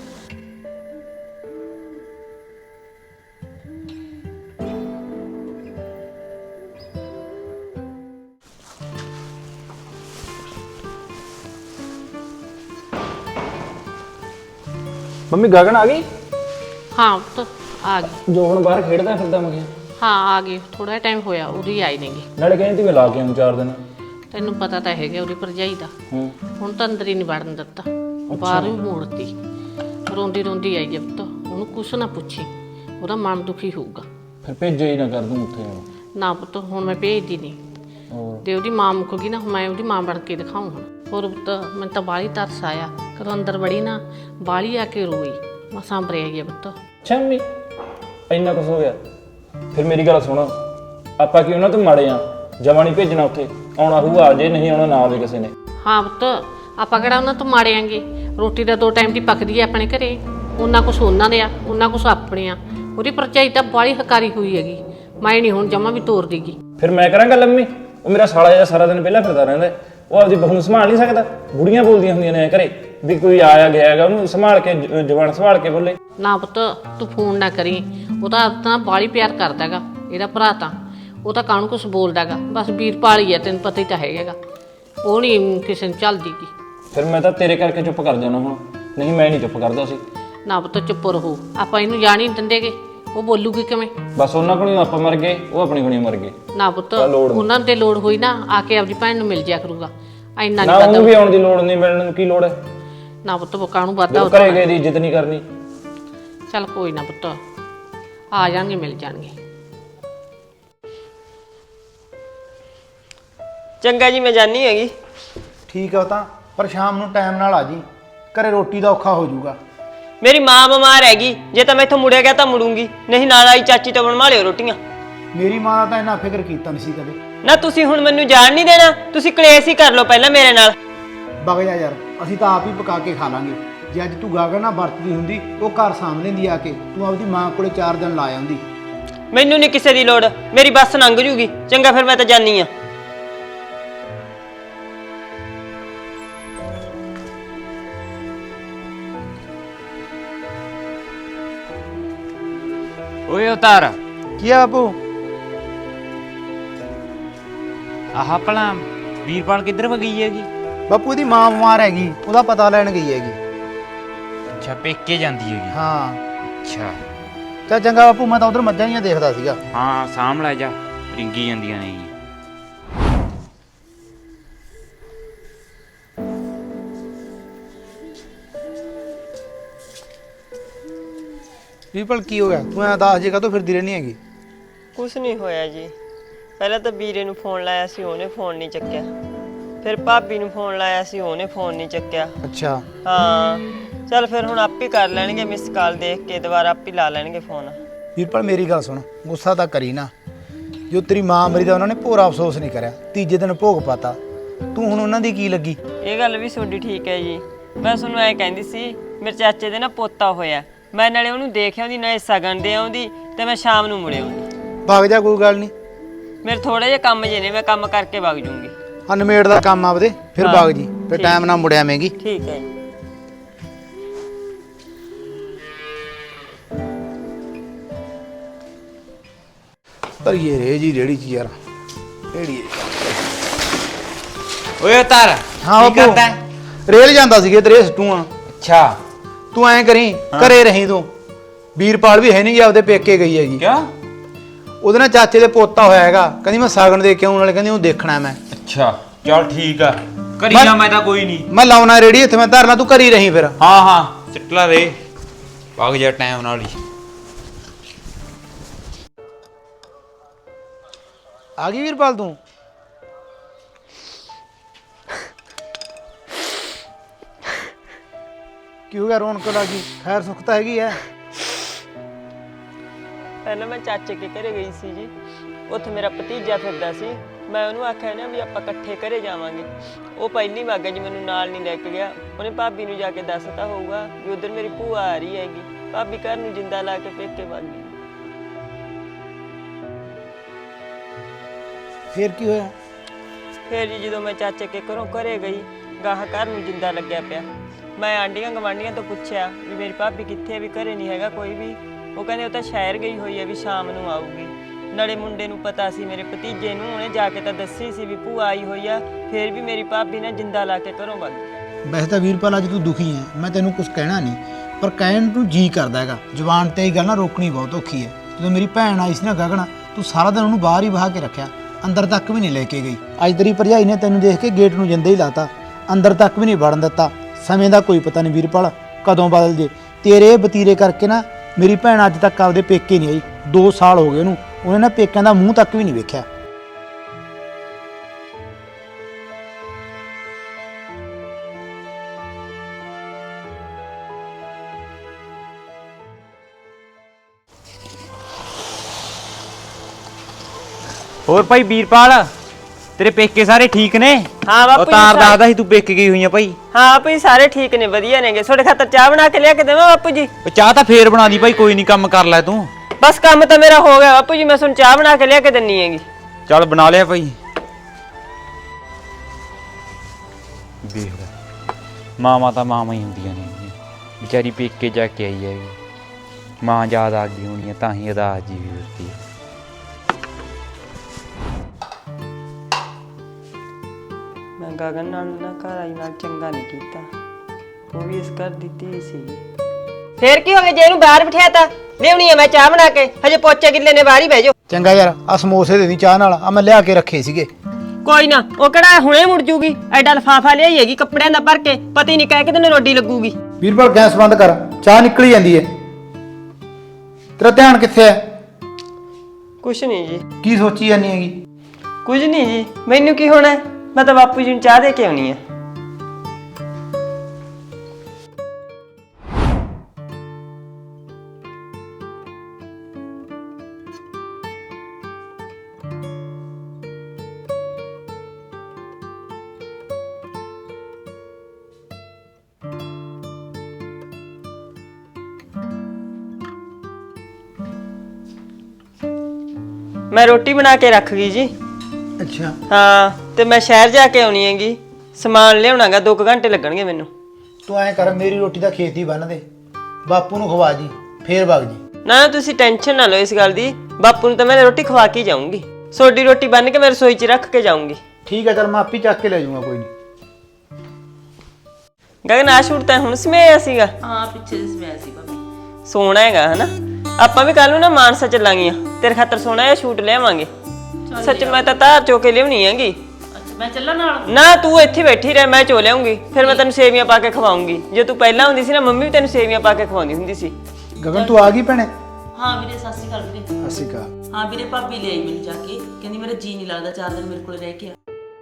[SPEAKER 3] ਮੰਮੀ ਗਗਨ ਆ ਗਈ?
[SPEAKER 9] ਹਾਂ ਪੁੱਤ ਆ ਗਈ।
[SPEAKER 10] ਜੋ ਹੁਣ ਬਾਹਰ ਖੇਡਦਾ ਫਿਰਦਾ ਮੈਂ ਕਿਹਾ
[SPEAKER 9] ਹਾਂ ਆ ਗਈ, ਥੋੜਾ ਟਾਈਮ ਹੋਇਆ ਉਹਦੀ ਆਈ ਨੇਗੀ।
[SPEAKER 10] ਨਾਲੇ ਕਹਿੰਦੀ ਮੈਂ ਲਾ ਕੇ ਆਉਂ ਚਾਰ ਦਿਨ।
[SPEAKER 9] ਤੈਨੂੰ ਪਤਾ ਤਾਂ ਹੈਗਾ ਉਹਦੀ ਭਰਜਾਈ ਦਾ,
[SPEAKER 10] ਹੂੰ
[SPEAKER 9] ਹੁਣ ਤਾਂ ਅੰਦਰ ਹੀ ਨਹੀਂ ਵੜਨ ਦਿੱਤਾ, ਬਾਹਰ ਹੀ ਮੋੜਤੀ। ਰੋਂਦੀ ਰੋਂਦੀ ਆਈ ਜਦ ਤੋਂ, ਉਹਨੂੰ ਕੁਛ ਨਾ ਪੁੱਛੀ, ਉਹਦਾ ਮਨ ਦੁਖੀ ਹੋਊਗਾ।
[SPEAKER 10] ਫਿਰ ਭੇਜਿਆ ਹੀ ਨਾ ਕਰ ਦੂੰ ਉੱਥੇ ਹੁਣ।
[SPEAKER 9] ਨਾ ਪੁੱਤ ਹੁਣ ਮੈਂ ਭੇਜਦੀ ਨਹੀਂ, ਤੇ ਉਹਦੀ ਮਾਂ ਮੁੱਕ ਗਈ ਨਾ, ਮੈਂ ਉਹਦੀ ਮਾਂ ਬਣ ਕੇ ਦਿਖਾਉਂ ਹੁਣ। ਹੋਰ ਪੁੱਤ ਮੈਨੂੰ ਤਾਂ ਬਾਹਲੀ ਤਰਸ ਆਇਆ, ਕਦੋਂ ਅੰਦਰ ਵੜੀ ਨਾ ਬਾਹਲੀ ਆ ਕੇ ਰੋਈ, ਮਸਾਂ ਬਰੇ ਆਈ ਪੁੱਤ।
[SPEAKER 10] ਅੱਛਾ ਮੰਮੀ ਇੰਨਾ ਕੁਛ ਹੋ ਗਿਆ? ਫਿਰ ਮੇਰੀ ਗੱਲ ਸੁਣੋ, ਆਪਾਂ ਕੀ ਉਹਨਾਂ ਤੋਂ ਮਾੜੇ ਆ? ਜਮਾ ਨਹੀਂ ਭੇਜਣਾ ਉੱਥੇ, ਆਉਣਾ ਹੋਊ ਆ ਜੇ, ਨਹੀਂ ਆਉਣਾ ਨਾ ਆਵੇ ਕਿਸੇ ਨੇ।
[SPEAKER 9] ਹਾਂ ਪੁੱਤ ਆਪਾਂ ਕਿਹੜਾ ਉਹਨਾਂ ਤੋਂ ਮਾੜਿਆਂਗੇ, ਰੋਟੀ ਤਾਂ ਦੋ ਟਾਈਮ ਦੀ ਪੱਕਦੀ ਹੈ ਆਪਣੇ ਘਰੇ, ਉਹਨਾਂ ਕੁਛ ਉਹਨਾਂ ਦੇ ਆ, ਉਹਨਾਂ ਕੁਛ ਆਪਣੇ ਆ। ਉਹਦੀ ਭਰਜਾਈ ਤਾਂ ਬਾਹਲੀ ਹਕਾਰੀ ਹੋਈ ਹੈਗੀ, ਮੈਂ ਨਹੀਂ ਹੁਣ ਜਮਾ ਵੀ ਤੋਰ ਦੇਗੀ।
[SPEAKER 10] ਫਿਰ ਮੈਂ ਕਰਾਂਗਾ ਲੰਮੀ? ਉਹ ਮੇਰਾ ਸਾਲਾ ਜਿਹਾ ਸਾਰਾ ਦਿਨ ਪਹਿਲਾਂ ਫਿਰਦਾ ਰਹਿੰਦਾ, ਉਹ ਆਪਦੀ ਬਹੂ ਨੂੰ ਸੰਭਾਲ ਨਹੀਂ ਸਕਦਾ? ਬੁੜੀਆਂ ਬੋਲਦੀਆਂ ਹੁੰਦੀਆਂ ਨੇ ਘਰੇ ਵੀ ਕੋਈ ਆਇਆ ਗਿਆ ਹੈਗਾ, ਉਹਨੂੰ ਸੰਭਾਲ ਕੇ ਜ- ਜ਼ੁਬਾਨ ਸੰਭਾਲ ਕੇ ਬੋਲੇ।
[SPEAKER 9] ਨਾ ਪੁੱਤ ਤੂੰ ਫੋਨ ਨਾ ਕਰੀ, ਉਹ ਤਾਂ ਤਾਂ ਬਾਹਲੀ ਪਿਆਰ ਕਰਦਾ ਹੈਗਾ ਇਹਦਾ ਭਰਾ, ਤਾਂ ਉਹ ਤਾਂ ਕਾਹਨੂੰ ਕੁਛ ਬੋਲਦਾ ਹੈਗਾ, ਬਸ ਵੀਰਪਾਲ ਹੀ ਹੈ, ਤੈਨੂੰ ਪਤਾ ਹੀ ਤਾਂ ਹੈਗਾ, ਉਹ ਨਹੀਂ ਕਿਸੇ ਨੂੰ ਚੱਲਦੀ ਗੀ।
[SPEAKER 10] ਫਿਰ ਮੈਂ ਤਾਂ ਤੇਰੇ ਕਰਕੇ ਚੁੱਪ ਕਰ ਜਾਣਾ ਹੁਣ, ਨਹੀਂ ਮੈਂ ਨਹੀਂ ਚੁੱਪ ਕਰਦਾ ਸੀ।
[SPEAKER 9] ਨਾ ਪੁੱਤ ਚੁੱਪ ਰਹੋ, ਆਪਾਂ ਇਹਨੂੰ ਜਾਣ ਹੀ ਨਹੀਂ ਦਿੰਦੇਗੇ, ਉਹ ਬੋਲੂਗੀ ਕਿਵੇਂ?
[SPEAKER 10] ਬਸ ਉਹਨਾਂ ਕੋਲ ਆਪਾਂ ਮਰ ਗਏ, ਉਹ ਆਪਣੀ ਕੋਲ ਮਰ ਗਏ।
[SPEAKER 9] ਨਾ ਪੁੱਤ ਉਹਨਾਂ ਤੇ ਲੋੜ ਹੋਈ ਨਾ ਆ ਕੇ ਆਪਦੀ ਭੈਣ ਨੂੰ ਮਿਲ ਜਿਆ ਕਰੂਗਾ, ਇੰਨਾ
[SPEAKER 10] ਨਾ
[SPEAKER 9] ਨਹੀਂ
[SPEAKER 10] ਉਹਨੂੰ ਵੀ
[SPEAKER 9] ਪਤਾ।
[SPEAKER 10] ਆਉਣ ਦੀ ਲੋੜ ਨਹੀਂ, ਮਿਲਣ ਨੂੰ ਕੀ ਲੋੜ ਹੈ?
[SPEAKER 9] ਨਾ ਪੁੱਤ ਕਾਹਨੂੰ ਵਾਦਾ,
[SPEAKER 10] ਜਦੋਂ ਘਰੇ ਗਏ ਦੀ ਇੱਜ਼ਤ ਨਹੀਂ ਕਰਨੀ।
[SPEAKER 9] ਚੱਲ ਕੋਈ ਨਾ ਪੁੱਤ, ਆ ਜਾਣਗੇ ਮਿਲ ਜਾਣਗੇ।
[SPEAKER 2] ਚੰਗਾ ਜੀ, ਮੈਂ ਜਾਣੀ ਹੈਗੀ।
[SPEAKER 3] ਠੀਕ ਆ ਉਹ ਤਾਂ, ਪਰ ਸ਼ਾਮ ਨੂੰ ਟਾਈਮ ਨਾਲ ਆ ਜੀ, ਘਰੇ ਰੋਟੀ ਦਾ ਔਖਾ ਹੋ ਜਾਊਗਾ।
[SPEAKER 2] ਮੇਰੀ ਮਾਂ ਬਿਮਾਰ ਹੈਗੀ, ਜੇ ਤਾਂ ਮੈਂ ਇੱਥੋਂ ਮੁੜਿਆ ਗਿਆ ਤਾਂ ਮੁੜੂੰਗੀ, ਨਹੀਂ ਨਾਲ ਆਈ ਚਾਚੀ ਤੋਂ ਬਣਵਾ ਲਿਓ ਰੋਟੀਆਂ।
[SPEAKER 3] ਮੇਰੀ ਮਾਂ ਦਾ ਤਾਂ ਇੰਨਾ ਫਿਕਰ ਕੀਤਾ ਨਹੀਂ ਸੀ ਕਦੇ।
[SPEAKER 2] ਨਾ ਤੁਸੀਂ ਹੁਣ ਮੈਨੂੰ ਜਾਣ ਨਹੀਂ ਦੇਣਾ, ਤੁਸੀਂ ਕਲੇਸ਼ ਹੀ ਕਰ ਲਓ ਪਹਿਲਾਂ ਮੇਰੇ ਨਾਲ।
[SPEAKER 3] ਵਗ ਜਾ ਯਾਰ, ਅਸੀਂ ਤਾਂ ਆਪ ਹੀ ਪਕਾ ਕੇ ਖਾ ਲਾਂਗੇ। ਜੇ ਅੱਜ ਤੂੰ ਗਾਗਰ ਨਾਲ ਵਰਤਦੀ ਹੁੰਦੀ, ਉਹ ਘਰ ਸਾਂਭ ਲੈਂਦੀ ਆ ਕੇ, ਤੂੰ ਆਪਦੀ ਮਾਂ ਕੋਲੇ ਚਾਰ ਦਿਨ ਲਾ ਆਉਂਦੀ।
[SPEAKER 2] ਮੈਨੂੰ ਨਹੀਂ ਕਿਸੇ ਦੀ ਲੋੜ, ਮੇਰੀ ਬੱਸ ਲੰਘ ਜੂਗੀ। ਚੰਗਾ ਫਿਰ ਮੈਂ ਤਾਂ ਜਾਨੀ ਆ।
[SPEAKER 5] ਓਏ ਉਤਾਰ
[SPEAKER 3] ਕੀ ਆ ਬਾਪੂ?
[SPEAKER 5] ਆਹ ਭਲਾ ਵੀਰਪਾਲ ਕਿੱਧਰ ਵਾ ਗਈ ਹੈਗੀ?
[SPEAKER 3] ਬਾਪੂ ਦੀ ਮਾਂ ਬਿਮਾਰ ਹੈਗੀ, ਉਹਦਾ ਪਤਾ ਲੈਣ ਗਈ ਹੈਗੀ।
[SPEAKER 5] ਅੱਛਾ ਪੇਕੇ ਜਾਂਦੀ ਹੈਗੀ।
[SPEAKER 3] ਹਾਂ
[SPEAKER 5] ਅੱਛਾ
[SPEAKER 3] ਚੱਲ ਚੰਗਾ ਬਾਪੂ, ਮੈਂ ਤਾਂ ਉਧਰ ਮੱਝਾਂ ਹੀ ਦੇਖਦਾ ਸੀਗਾ।
[SPEAKER 5] ਹਾਂ ਸਾਂਭ ਲੈ ਜਾ, ਰਿੰਗੀ ਜਾਂਦੀਆਂ ਨੇ ਜੀ।
[SPEAKER 3] ਵੀਰਪਾਲ ਕੀ ਹੋ ਗਿਆ? ਤੂੰ ਐਂ ਦੱਸ ਜੇ ਕਾਹਤੋਂ ਫਿਰਦੀ ਰਹਿੰਦੀ ਹੈਗੀ?
[SPEAKER 2] ਕੁਛ ਨਹੀਂ ਹੋਇਆ ਜੀ, ਪਹਿਲਾਂ ਤਾਂ ਵੀਰੇ ਨੂੰ ਫੋਨ ਲਾਇਆ ਸੀ, ਉਹਨੇ ਫੋਨ ਨਹੀਂ ਚੱਕਿਆ। ਫਿਰ ਭਾਬੀ ਨੂੰ ਫੋਨ ਲਾਇਆ ਸੀ, ਉਹਨੇ ਫੋਨ ਨਹੀਂ ਚੱਕਿਆ।
[SPEAKER 3] ਅੱਛਾ
[SPEAKER 2] ਹਾਂ ਚੱਲ ਫਿਰ ਹੁਣ ਆਪ ਹੀ ਕਰ ਲੈਣਗੇ, ਮਿਸ ਕਾਲ ਦੇਖ ਕੇ ਦੁਬਾਰਾ ਆਪ ਹੀ ਲਾ ਲੈਣਗੇ ਫੋਨ।
[SPEAKER 3] ਵੀਰਪਾਲ ਮੇਰੀ ਗੱਲ ਸੁਣ, ਗੁੱਸਾ ਤਾਂ ਕਰੀ ਨਾ। ਜੋ ਤੇਰੀ ਮਾਂ ਮਰੀ ਦਾ ਉਹਨਾਂ ਨੇ ਭੋਰਾ ਅਫਸੋਸ ਨਹੀਂ ਕਰਿਆ, ਤੀਜੇ ਦਿਨ ਭੋਗ ਪਾਤਾ। ਤੂੰ ਹੁਣ ਉਹਨਾਂ ਦੀ ਕੀ ਲੱਗੀ?
[SPEAKER 2] ਇਹ ਗੱਲ ਵੀ ਤੁਹਾਡੀ ਠੀਕ ਹੈ ਜੀ, ਮੈਂ ਤੁਹਾਨੂੰ ਐ ਕਹਿੰਦੀ ਸੀ ਮੇਰੇ ਚਾਚੇ ਦੇ ਨਾ ਪੋਤਾ ਹੋਇਆ, ਮੈਂ ਨਾਲੇ ਉਹਨੂੰ ਦੇਖ ਆਉਂਦੀ, ਨਾਲੇ ਸਗਨ ਦੇ ਆਉਂਦੀ, ਤੇ ਮੈਂ ਸ਼ਾਮ ਨੂੰ ਮੁੜ ਆਉਂਦੀ।
[SPEAKER 3] ਵਗ ਜਾ, ਕੋਈ ਗੱਲ ਨਹੀਂ।
[SPEAKER 2] ਮੇਰੇ ਥੋੜੇ ਜਿਹੇ ਕੰਮ ਜੇ ਨੇ, ਮੈਂ ਕੰਮ ਕਰਕੇ ਵਗ ਜੂੰਗੀ।
[SPEAKER 3] ਹਾਂ ਨਿਮੇੜ ਦਾ ਕੰਮ ਆਪਦੇ, ਫਿਰ
[SPEAKER 2] ਹਾਂ,
[SPEAKER 3] ਵਗ ਜੀ, ਫਿਰ ਟਾਈਮ ਨਾਲ ਮੁੜਿਆ ਆਵੇਂਗੀ।
[SPEAKER 2] ਠੀਕ ਹੈ ਜੀ।
[SPEAKER 3] ਪਰ ਇਹ ਰੇ ਜੀ ਰੇੜੀ ਚ ਯਾਰ, ਰੇੜੀ।
[SPEAKER 5] ਓਏ ਉਤਾਰ
[SPEAKER 3] ਹਾਂ
[SPEAKER 5] ਕੀ ਕਰਦਾ ਹੈ?
[SPEAKER 3] ਰੇਲ ਜਾਂਦਾ ਸੀਗੇ ਤੇਰੇ ਸਟੂਆਂ।
[SPEAKER 5] ਅੱਛਾ
[SPEAKER 3] ਤੂੰ ਐਂ ਕਰੀ, ਘਰੇ ਰਹੀਂ ਤੂੰ। ਵੀਰਪਾਲ ਵੀ ਹੈ ਨਹੀਂ, ਆਪਦੇ ਪੇਕੇ ਗਈ ਹੈਗੀ।
[SPEAKER 5] ਕਿਉਂ?
[SPEAKER 3] ਉਹਦੇ ਨਾਲ ਚਾਚੇ ਦੇ ਪੋਤਾ ਹੋਇਆ ਹੈਗਾ, ਕਹਿੰਦੀ ਮੈਂ ਸਾਗਣ ਦੇ ਕੇ ਆਉਣ ਵਾਲੇ, ਕਹਿੰਦੀ ਉਹ ਦੇਖਣਾ ਮੈਂ।
[SPEAKER 5] ਅੱਛਾ ਚੱਲ ਠੀਕ ਆ, ਕਰੀ
[SPEAKER 3] ਮੈਂ-
[SPEAKER 5] ਜਾ, ਮੈਂ ਤਾਂ ਕੋਈ ਨਹੀਂ।
[SPEAKER 3] ਮੈਂ ਲਾਉਣਾ ਰੇੜੀ ਇੱਥੇ, ਮੈਂ ਧਰਨਾ, ਤੂੰ ਘਰੀ ਰਹੀਂ ਫਿਰ।
[SPEAKER 5] ਹਾਂ ਹਾਂ ਸਿੱਟਲਾ ਦੇ, ਵਗ ਜਾ ਟਾਈਮ ਨਾਲ ਹੀ।
[SPEAKER 3] ਆ ਗਈ ਵੀਰਪਾਲ ਤੂੰ? ਕੀ ਹੋ ਗਿਆ, ਰੌਣਕ ਲੱਗੀ? ਖੈਰ ਸੁੱਖ ਤਾਂ ਹੈਗੀ ਐ?
[SPEAKER 2] ਪਹਿਲਾਂ ਮੈਂ ਚਾਚੇ ਕੇ ਘਰੇ ਗਈ ਸੀ ਜੀ, ਉੱਥੇ ਮੇਰਾ ਭਤੀਜਾ ਫਿਰਦਾ ਸੀ, ਮੈਂ ਉਹਨੂੰ ਆਖਿਆ ਨਾ ਵੀ ਆਪਾਂ ਇਕੱਠੇ ਘਰੇ ਜਾਵਾਂਗੇ। ਉਹ ਪਹਿਲੀ ਵਾਰ ਜੀ ਮੈਨੂੰ ਨਾਲ ਨਹੀਂ ਲੈ ਕੇ ਗਿਆ, ਉਹਨੇ ਭਾਬੀ ਨੂੰ ਜਾ ਕੇ ਦੱਸਤਾ ਹੋਊਗਾ ਵੀ ਉਧਰ ਮੇਰੀ ਭੂਆ ਆ ਰਹੀ ਹੈਗੀ। ਭਾਬੀ ਘਰ ਨੂੰ ਜਿੰਦਾ ਲਾ ਕੇ ਪੇਕੇ ਵਗ ਗਈ।
[SPEAKER 3] ਫੇਰ ਕੀ ਹੋਇਆ?
[SPEAKER 2] ਫਿਰ ਜੀ ਜਦੋਂ ਮੈਂ ਚਾਚੇ ਕੇ ਘਰੋਂ ਘਰੇ ਗਈ, ਗਾਹ ਘਰ ਨੂੰ ਜਿੰਦਾ ਲੱਗਿਆ ਪਿਆ। ਮੈਂ ਆਂਢੀਆਂ ਗਵਾਂਢੀਆਂ ਤੋਂ ਪੁੱਛਿਆ ਵੀ ਮੇਰੀ ਭਾਬੀ ਕਿੱਥੇ ਹੈ, ਵੀ ਘਰੇ ਨਹੀਂ ਹੈਗਾ ਕੋਈ ਵੀ। ਉਹ ਕਹਿੰਦੇ ਉਹ ਤਾਂ ਸ਼ਹਿਰ ਗਈ ਹੋਈ ਹੈ, ਵੀ ਸ਼ਾਮ ਨੂੰ ਆਊਗੀ। ਨਾਲੇ ਮੁੰਡੇ ਨੂੰ ਪਤਾ ਸੀ, ਮੇਰੇ ਭਤੀਜੇ ਨੂੰ, ਉਹਨੇ ਜਾ ਕੇ ਤਾਂ ਦੱਸੀ ਸੀ ਵੀ ਭੂਆ ਆਈ ਹੋਈ ਆ। ਫਿਰ ਵੀ ਮੇਰੀ ਭਾਬੀ ਨੇ ਜਿੰਦਾ ਲਾ ਕੇ ਘਰੋਂ ਵਗ ਗਈ।
[SPEAKER 3] ਵੈਸੇ ਤਾਂ ਵੀਰਪਾਲ ਅੱਜ ਤੂੰ ਦੁਖੀ ਐ, ਮੈਂ ਤੈਨੂੰ ਕੁਝ ਕਹਿਣਾ ਨਹੀਂ, ਪਰ ਕਹਿਣ ਨੂੰ ਜੀ ਕਰਦਾ ਹੈਗਾ, ਜ਼ੁਬਾਨ ਤੇ ਇਹ ਗੱਲ ਨਾ ਰੋਕਣੀ ਬਹੁਤ ਔਖੀ ਹੈ। ਜਦੋਂ ਮੇਰੀ ਭੈਣ ਆਈ ਸੀ ਨਾ ਗਗਨ, ਤੂੰ ਸਾਰਾ ਦਿਨ ਉਹਨੂੰ ਬਾਹਰ ਹੀ ਬਹਾ ਕੇ ਰੱਖਿਆ, ਅੰਦਰ ਤੱਕ ਵੀ ਨਹੀਂ ਲੈ ਕੇ ਗਈ। ਅੱਜ ਤੇਰੀ ਭਰਜਾਈ ਨੇ ਤੈਨੂੰ ਦੇਖ ਕੇ ਗੇਟ ਨੂੰ ਜਿੰਦੇ ਹੀ ਲਾਤਾ, ਅੰਦਰ ਤੱਕ ਵੀ ਨਹੀਂ ਵੜਨ ਦਿੱਤਾ। ਸਮੇਂ ਦਾ ਕੋਈ ਪਤਾ ਨਹੀਂ ਵੀਰਪਾਲ ਕਦੋਂ ਬਦਲ ਜੇ। ਤੇਰੇ ਵਤੀਰੇ ਕਰਕੇ ਨਾ ਮੇਰੀ ਭੈਣ ਅੱਜ ਤੱਕ ਆਪਦੇ ਪੇਕੇ ਨਹੀਂ ਆਈ। ਦੋ ਸਾਲ ਹੋ ਗਏ ਉਹਨੂੰ, ਉਹਨੇ ਨਾ ਪੇਕਿਆਂ ਦਾ ਮੂੰਹ ਤੱਕ ਵੀ ਨਹੀਂ ਵੇਖਿਆ।
[SPEAKER 5] ਹੋਰ ਭਾਈ ਵੀਰਪਾਲ, ਤੇਰੇ ਪੇਕੇ ਸਾਰੇ ਠੀਕ ਨੇ?
[SPEAKER 2] ਹਾਂ ਬਾਪੂ ਜੀ,
[SPEAKER 5] ਉਤਾਰ
[SPEAKER 2] ਸਾਰੇ-
[SPEAKER 5] ਦੱਸਦਾ ਸੀ ਤੂੰ ਪੇਕੇ ਗਈ ਹੋਈ ਆ ਭਾਈ।
[SPEAKER 2] ਹਾਂ ਭਾਈ ਸਾਰੇ ਠੀਕ ਨੇ, ਵਧੀਆ ਨੇਗੇ। ਤੁਹਾਡੇ ਖਾਤਰ ਚਾਹ ਬਣਾ ਕੇ ਲਿਆ ਕੇ ਦੇਵਾਂ ਬਾਪੂ ਜੀ?
[SPEAKER 5] ਉਹ ਚਾਹ ਤਾਂ ਫੇਰ ਬਣਾ ਦੀ ਭਾਈ, ਕੋਈ ਨਹੀਂ, ਕੰਮ ਕਰ ਲੈ ਤੂੰ।
[SPEAKER 2] ਬਸ ਕੰਮ ਤਾਂ ਮੇਰਾ ਹੋ ਗਿਆ ਬਾਪੂ ਜੀ, ਮੈਂ ਤੁਹਾਨੂੰ ਚਾਹ ਬਣਾ ਕੇ ਲਿਆ ਕੇ ਦਿੰਨੀ ਹੈਗੀ।
[SPEAKER 5] ਚੱਲ ਬਣਾ ਲਿਆ ਭਾਈ। ਵੇਖ ਲੈ, ਮਾਵਾਂ ਤਾਂ ਮਾਵਾਂ ਹੀ ਹੁੰਦੀਆਂ ਨੇ, ਵਿਚਾਰੀ ਪੇਕੇ ਜਾ ਕੇ ਆਈ ਹੈ, ਮਾਂ ਯਾਦ ਆ ਗਈ ਹੋਣੀ ਹੈ ਤਾਂ ਹੀ ਅਦਾਸ ਜੀ ਵੀ ਹੁੰਦੀ ਹੈ।
[SPEAKER 2] ਮੈਂ ਗਗਨ ਨਾਲ ਨਾ ਘਰ ਆਈ ਨਾਲ ਚੰਗਾ ਨਹੀਂ ਕੀਤਾ, ਉਹ ਵੀ ਇਸ ਘਰ ਦੀ ਧੀ ਸੀ। ਫੇਰ ਕੀ ਹੋ ਗਿਆ ਜੇ ਇਹਨੂੰ ਬਾਹਰ ਬਿਠਾਇਆ? ਲਿਆਉਣੀ ਆ ਮੈਂ ਚਾਹ ਬਣਾ ਕੇ, ਹਜੇ ਪੋਚੇ ਗਿੱਲੇ ਨੇ, ਬਾਹਰ ਹੀ ਬਹਿ ਜਾਓ।
[SPEAKER 3] ਚੰਗਾ ਯਾਰ, ਆ ਸਮੋਸੇ ਦੇ ਦੀ ਚਾਹ ਨਾਲ, ਆ ਮੈਂ ਲਿਆ ਕੇ ਰੱਖੇ ਸੀਗੇ।
[SPEAKER 2] ਕੋਈ ਨਾ, ਉਹ ਕਿਹੜਾ ਹੁਣੇ ਮੁੜ ਜੂਗੀ, ਐਡਾ ਲਫਾਫਾ ਲਿਆਈ ਹੈਗੀ ਕੱਪੜਿਆਂ ਦਾ ਭਰ ਕੇ, ਪਤਾ ਹੀ ਨਹੀਂ ਕਹਿ ਕੇ ਤੈਨੂੰ ਰੋਡੀ ਲੱਗੂਗੀ।
[SPEAKER 3] ਵੀਰਪਾਲ ਗੈਸ ਬੰਦ ਕਰ, ਚਾਹ ਨਿਕਲੀ ਜਾਂਦੀ ਹੈ। ਤੇਰਾ ਧਿਆਨ ਕਿੱਥੇ ਹੈ?
[SPEAKER 2] ਕੁਛ ਨਹੀਂ ਜੀ।
[SPEAKER 3] ਕੀ ਸੋਚੀ ਜਾਂਦੀ ਹੈਗੀ?
[SPEAKER 2] ਕੁਝ ਨਹੀਂ ਜੀ, ਮੈਨੂੰ ਕੀ ਹੋਣਾ, ਮੈਂ ਤਾਂ ਬਾਪੂ ਜੀ ਨੂੰ ਚਾਹ ਦੇ ਕੇ ਆਉਣੀ ਆ। ਮੈਂ ਰੋਟੀ ਬਣਾ ਕੇ ਰੱਖ ਗਈ ਜੀ।
[SPEAKER 3] ਅੱਛਾ,
[SPEAKER 2] ਹਾਂ, ਤੇ ਮੈਂ ਸ਼ਹਿਰ ਜਾ ਕੇ ਆਉਣੀ ਹੈਗੀ, ਸਮਾਨ ਲਿਆਉਣਾਗਾ, ਦੋ ਕੁ ਘੰਟੇ ਲੱਗਣਗੇ ਮੈਨੂੰ।
[SPEAKER 3] ਤੂੰ ਐਂ ਕਰ, ਮੇਰੀ ਰੋਟੀ ਦਾ ਖੇਤ ਹੀ ਬੰਨ ਦੇ, ਬਾਪੂ ਨੂੰ ਖਵਾ ਜੀ, ਫੇਰ ਵਗ ਜੀ।
[SPEAKER 2] ਨਾ ਤੁਸੀਂ ਟੈਨਸ਼ਨ ਨਾ ਲਓ ਇਸ ਗੱਲ ਦੀ, ਬਾਪੂ ਨੂੰ ਤਾਂ ਮੈਂ ਰੋਟੀ ਖਵਾ ਕੇ ਜਾਊਂਗੀ, ਸੋਡੀ ਰੋਟੀ ਬੰਨ ਕੇ ਮੈਂ ਰਸੋਈ 'ਚ ਰੱਖ ਕੇ ਜਾਊਂਗੀ।
[SPEAKER 3] ਠੀਕ ਹੈ, ਚਲ ਮੈਂ ਆਪੀ ਚੱਕ ਕੇ ਲੈ ਜਾਊਂਗਾ, ਕੋਈ ਨਹੀਂ।
[SPEAKER 2] ਗਗਨ ਆ ਸ਼ੂਟ ਤਾਂ ਹੁਣ ਸਮਿਆ ਸੀਗਾ?
[SPEAKER 1] ਹਾਂ ਪਿੱਛੇ ਜਿਸ ਮੈਂ ਸੀ ਭਾਬੀ।
[SPEAKER 2] ਸੋਹਣਾ ਹੈਗਾ ਹਨਾ, ਆਪਾਂ ਵੀ ਕੱਲ ਨੂੰ ਨਾ ਮਾਨਸਾ ਚੱਲਾਂਗੀਆਂ, ਤੇਰੇ ਖਾਤਰ ਸੋਹਣਾ ਜਿਹਾ ਸ਼ੂਟ ਲਿਆਵਾਂਗੇ। ਸੱਚ ਮੈਂ ਤਾਂ ਤਾਰ ਚੋ ਕੇ ਲਿਆਉਣੀ ਹੈਗੀ।
[SPEAKER 1] ਅੱਛਾ ਮੈਂ ਚੱਲਾਂ ਨਾਲ?
[SPEAKER 2] ਨਾ ਤੂੰ ਇੱਥੇ ਬੈਠੀ ਰਹਿ, ਮੈਂ ਚੋ ਲਿਆਉਂਗੀ, ਫਿਰ ਮੈਂ ਤੈਨੂੰ ਸੇਵੀਆਂ ਪਾ ਕੇ ਖਵਾਉਂਗੀ। ਜੇ ਤੂੰ ਪਹਿਲਾਂ ਹੁੰਦੀ ਸੀ ਨਾ, ਮੰਮੀ ਵੀ ਤੈਨੂੰ ਸੇਵੀਆਂ ਪਾ ਕੇ ਖਵਾਉਂਦੀ ਹੁੰਦੀ ਸੀ।
[SPEAKER 3] ਗਗਨ ਤੂੰ ਆ ਗਈ ਭੈਣੇ?
[SPEAKER 1] ਹਾਂ ਵੀਰੇ, ਸਤਿ ਸ਼੍ਰੀ ਅਕਾਲ ਵੀਰੇ।
[SPEAKER 3] ਸਤਿ ਸ਼੍ਰੀ ਅਕਾਲ।
[SPEAKER 1] ਹਾਂ ਵੀਰੇ, ਭਾਬੀ ਲੈ ਆਈ ਮੈਨੂੰ ਜਾ ਕੇ, ਕਹਿੰਦੀ ਮੇਰਾ ਜੀ ਨਹੀਂ ਲੱਗਦਾ, ਚਾਰ ਦਿਨ ਮੇਰੇ ਕੋਲ ਰਹਿ ਕੇ ਆ।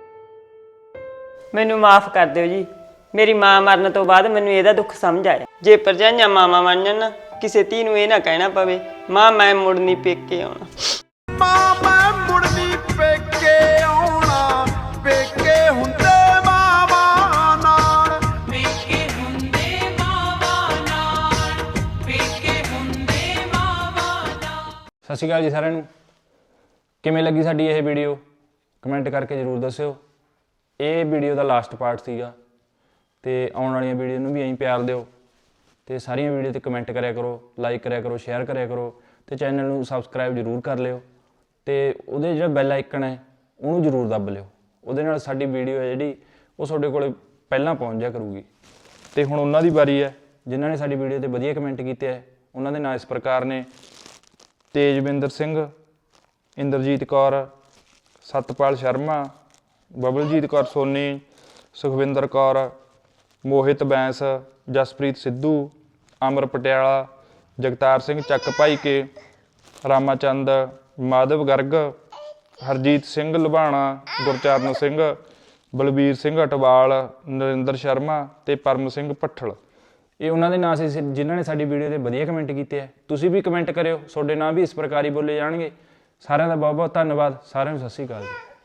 [SPEAKER 2] ਮੈਨੂੰ ਮਾਫ ਕਰ ਦਿਓ ਜੀ, ਮੇਰੀ ਮਾਂ ਮਰਨ ਤੋਂ ਬਾਅਦ ਮੈਨੂੰ ਇਹਦਾ ਦੁੱਖ ਸਮਝ ਆਇਆ। ਜੇ ਭਰਜਾਈਆਂ ਮਾਵਾਂ ਬਣ ਜਾਣ ਨਾ, ਕਿਸੇ ਧੀ ਨੂੰ ਇਹ ਨਾ ਕਹਿਣਾ ਪਵੇ ਮਾਂ ਮੈਂ ਮੁੜਨੀ ਪੇਕੇ ਆਉਣਾ।
[SPEAKER 11] ਮਾਂ ਮੈਂ ਮੁੜਨੀ ਪੇਕੇ ਆਉਣਾ, ਪੇਕੇ ਹੁੰਦੇ ਮਾਵਾਂ ਨਾਲ, ਪੇਕੇ ਹੁੰਦੇ ਮਾਵਾਂ ਨਾਲ, ਪੇਕੇ ਹੁੰਦੇ ਮਾਵਾਂ ਨਾਲ।
[SPEAKER 10] ਸਤਿ ਸ਼੍ਰੀ ਅਕਾਲ ਜੀ ਸਾਰਿਆਂ ਨੂੰ। ਕਿਵੇਂ ਲੱਗੀ ਸਾਡੀ ਇਹ ਵੀਡੀਓ ਕਮੈਂਟ ਕਰਕੇ ਜ਼ਰੂਰ ਦੱਸਿਓ। ਇਹ ਵੀਡੀਓ ਦਾ ਲਾਸਟ ਪਾਰਟ ਸੀਗਾ, ਤੇ ਆਉਣ ਵਾਲੀਆਂ ਵੀਡੀਓ ਨੂੰ ਵੀ ਐਂ ਪਿਆਰ ਦਿਓ, ਤੇ ਸਾਰੀਆਂ ਵੀਡੀਓ ਤੇ ਕਮੈਂਟ ਕਰਿਆ ਕਰੋ, ਲਾਈਕ ਕਰਿਆ ਕਰੋ, ਸ਼ੇਅਰ ਕਰਿਆ ਕਰੋ, ਤੇ ਚੈਨਲ ਨੂੰ ਸਬਸਕ੍ਰਾਈਬ ਜ਼ਰੂਰ ਕਰ ਲਿਓ, ਤੇ ਉਹਦੇ ਜਿਹੜਾ ਬੈਲ ਆਈਕਨ ਹੈ ਉਹਨੂੰ ਜ਼ਰੂਰ ਦੱਬ ਲਿਓ। ਉਹਦੇ ਨਾਲ ਸਾਡੀ ਵੀਡੀਓ ਹੈ ਜਿਹੜੀ ਉਹ ਤੁਹਾਡੇ ਕੋਲ ਪਹਿਲਾਂ ਪਹੁੰਚ ਜਾ ਕਰੂਗੀ। ਤੇ ਹੁਣ ਉਹਨਾਂ ਦੀ ਵਾਰੀ ਹੈ ਜਿਨ੍ਹਾਂ ਨੇ ਸਾਡੀ ਵੀਡੀਓ ਤੇ ਵਧੀਆ ਕਮੈਂਟ ਕੀਤੇ ਹੈ। ਉਹਨਾਂ ਦੇ ਨਾਂ ਇਸ ਪ੍ਰਕਾਰ ਨੇ: ਤੇਜਵਿੰਦਰ ਸਿੰਘ, ਇੰਦਰਜੀਤ ਕੌਰ, ਸਤਪਾਲ ਸ਼ਰਮਾ, ਬਬਲਜੀਤ ਕੌਰ ਸੋਨੀ, ਸੁਖਵਿੰਦਰ ਕੌਰ, ਮੋਹਿਤ ਬੈਂਸ, ਜਸਪ੍ਰੀਤ ਸਿੱਧੂ, ਅਮਰ ਪਟਿਆਲਾ, ਜਗਤਾਰ ਸਿੰਘ ਚੱਕ ਭਾਈ ਕੇ, ਰਾਮਾਚੰਦ, ਮਾਧਵ ਗਰਗ, ਹਰਜੀਤ ਸਿੰਘ ਲੁਬਾਣਾ, ਗੁਰਚਰਨ ਸਿੰਘ, ਬਲਬੀਰ ਸਿੰਘ ਅਟਵਾਲ, ਨਰਿੰਦਰ ਸ਼ਰਮਾ ਤੇ ਪਰਮ ਸਿੰਘ ਭੱਠਲ। ਇਹ ਉਹਨਾਂ ਦੇ ਨਾਂ ਸੀ ਜਿਨ੍ਹਾਂ ਨੇ ਸਾਡੀ ਵੀਡੀਓ ਤੇ ਵਧੀਆ ਕਮੈਂਟ ਕੀਤੇ ਹੈ। ਤੁਸੀਂ ਵੀ ਕਮੈਂਟ ਕਰਿਓ, ਤੁਹਾਡੇ ਨਾਂ ਵੀ ਇਸ ਪ੍ਰਕਾਰ ਹੀ ਬੋਲੇ ਜਾਣਗੇ। ਸਾਰਿਆਂ ਦਾ ਬਹੁਤ ਬਹੁਤ ਧੰਨਵਾਦ। ਸਾਰਿਆਂ ਨੂੰ ਸਤਿ ਸ਼੍ਰੀ ਅਕਾਲ ਜੀ।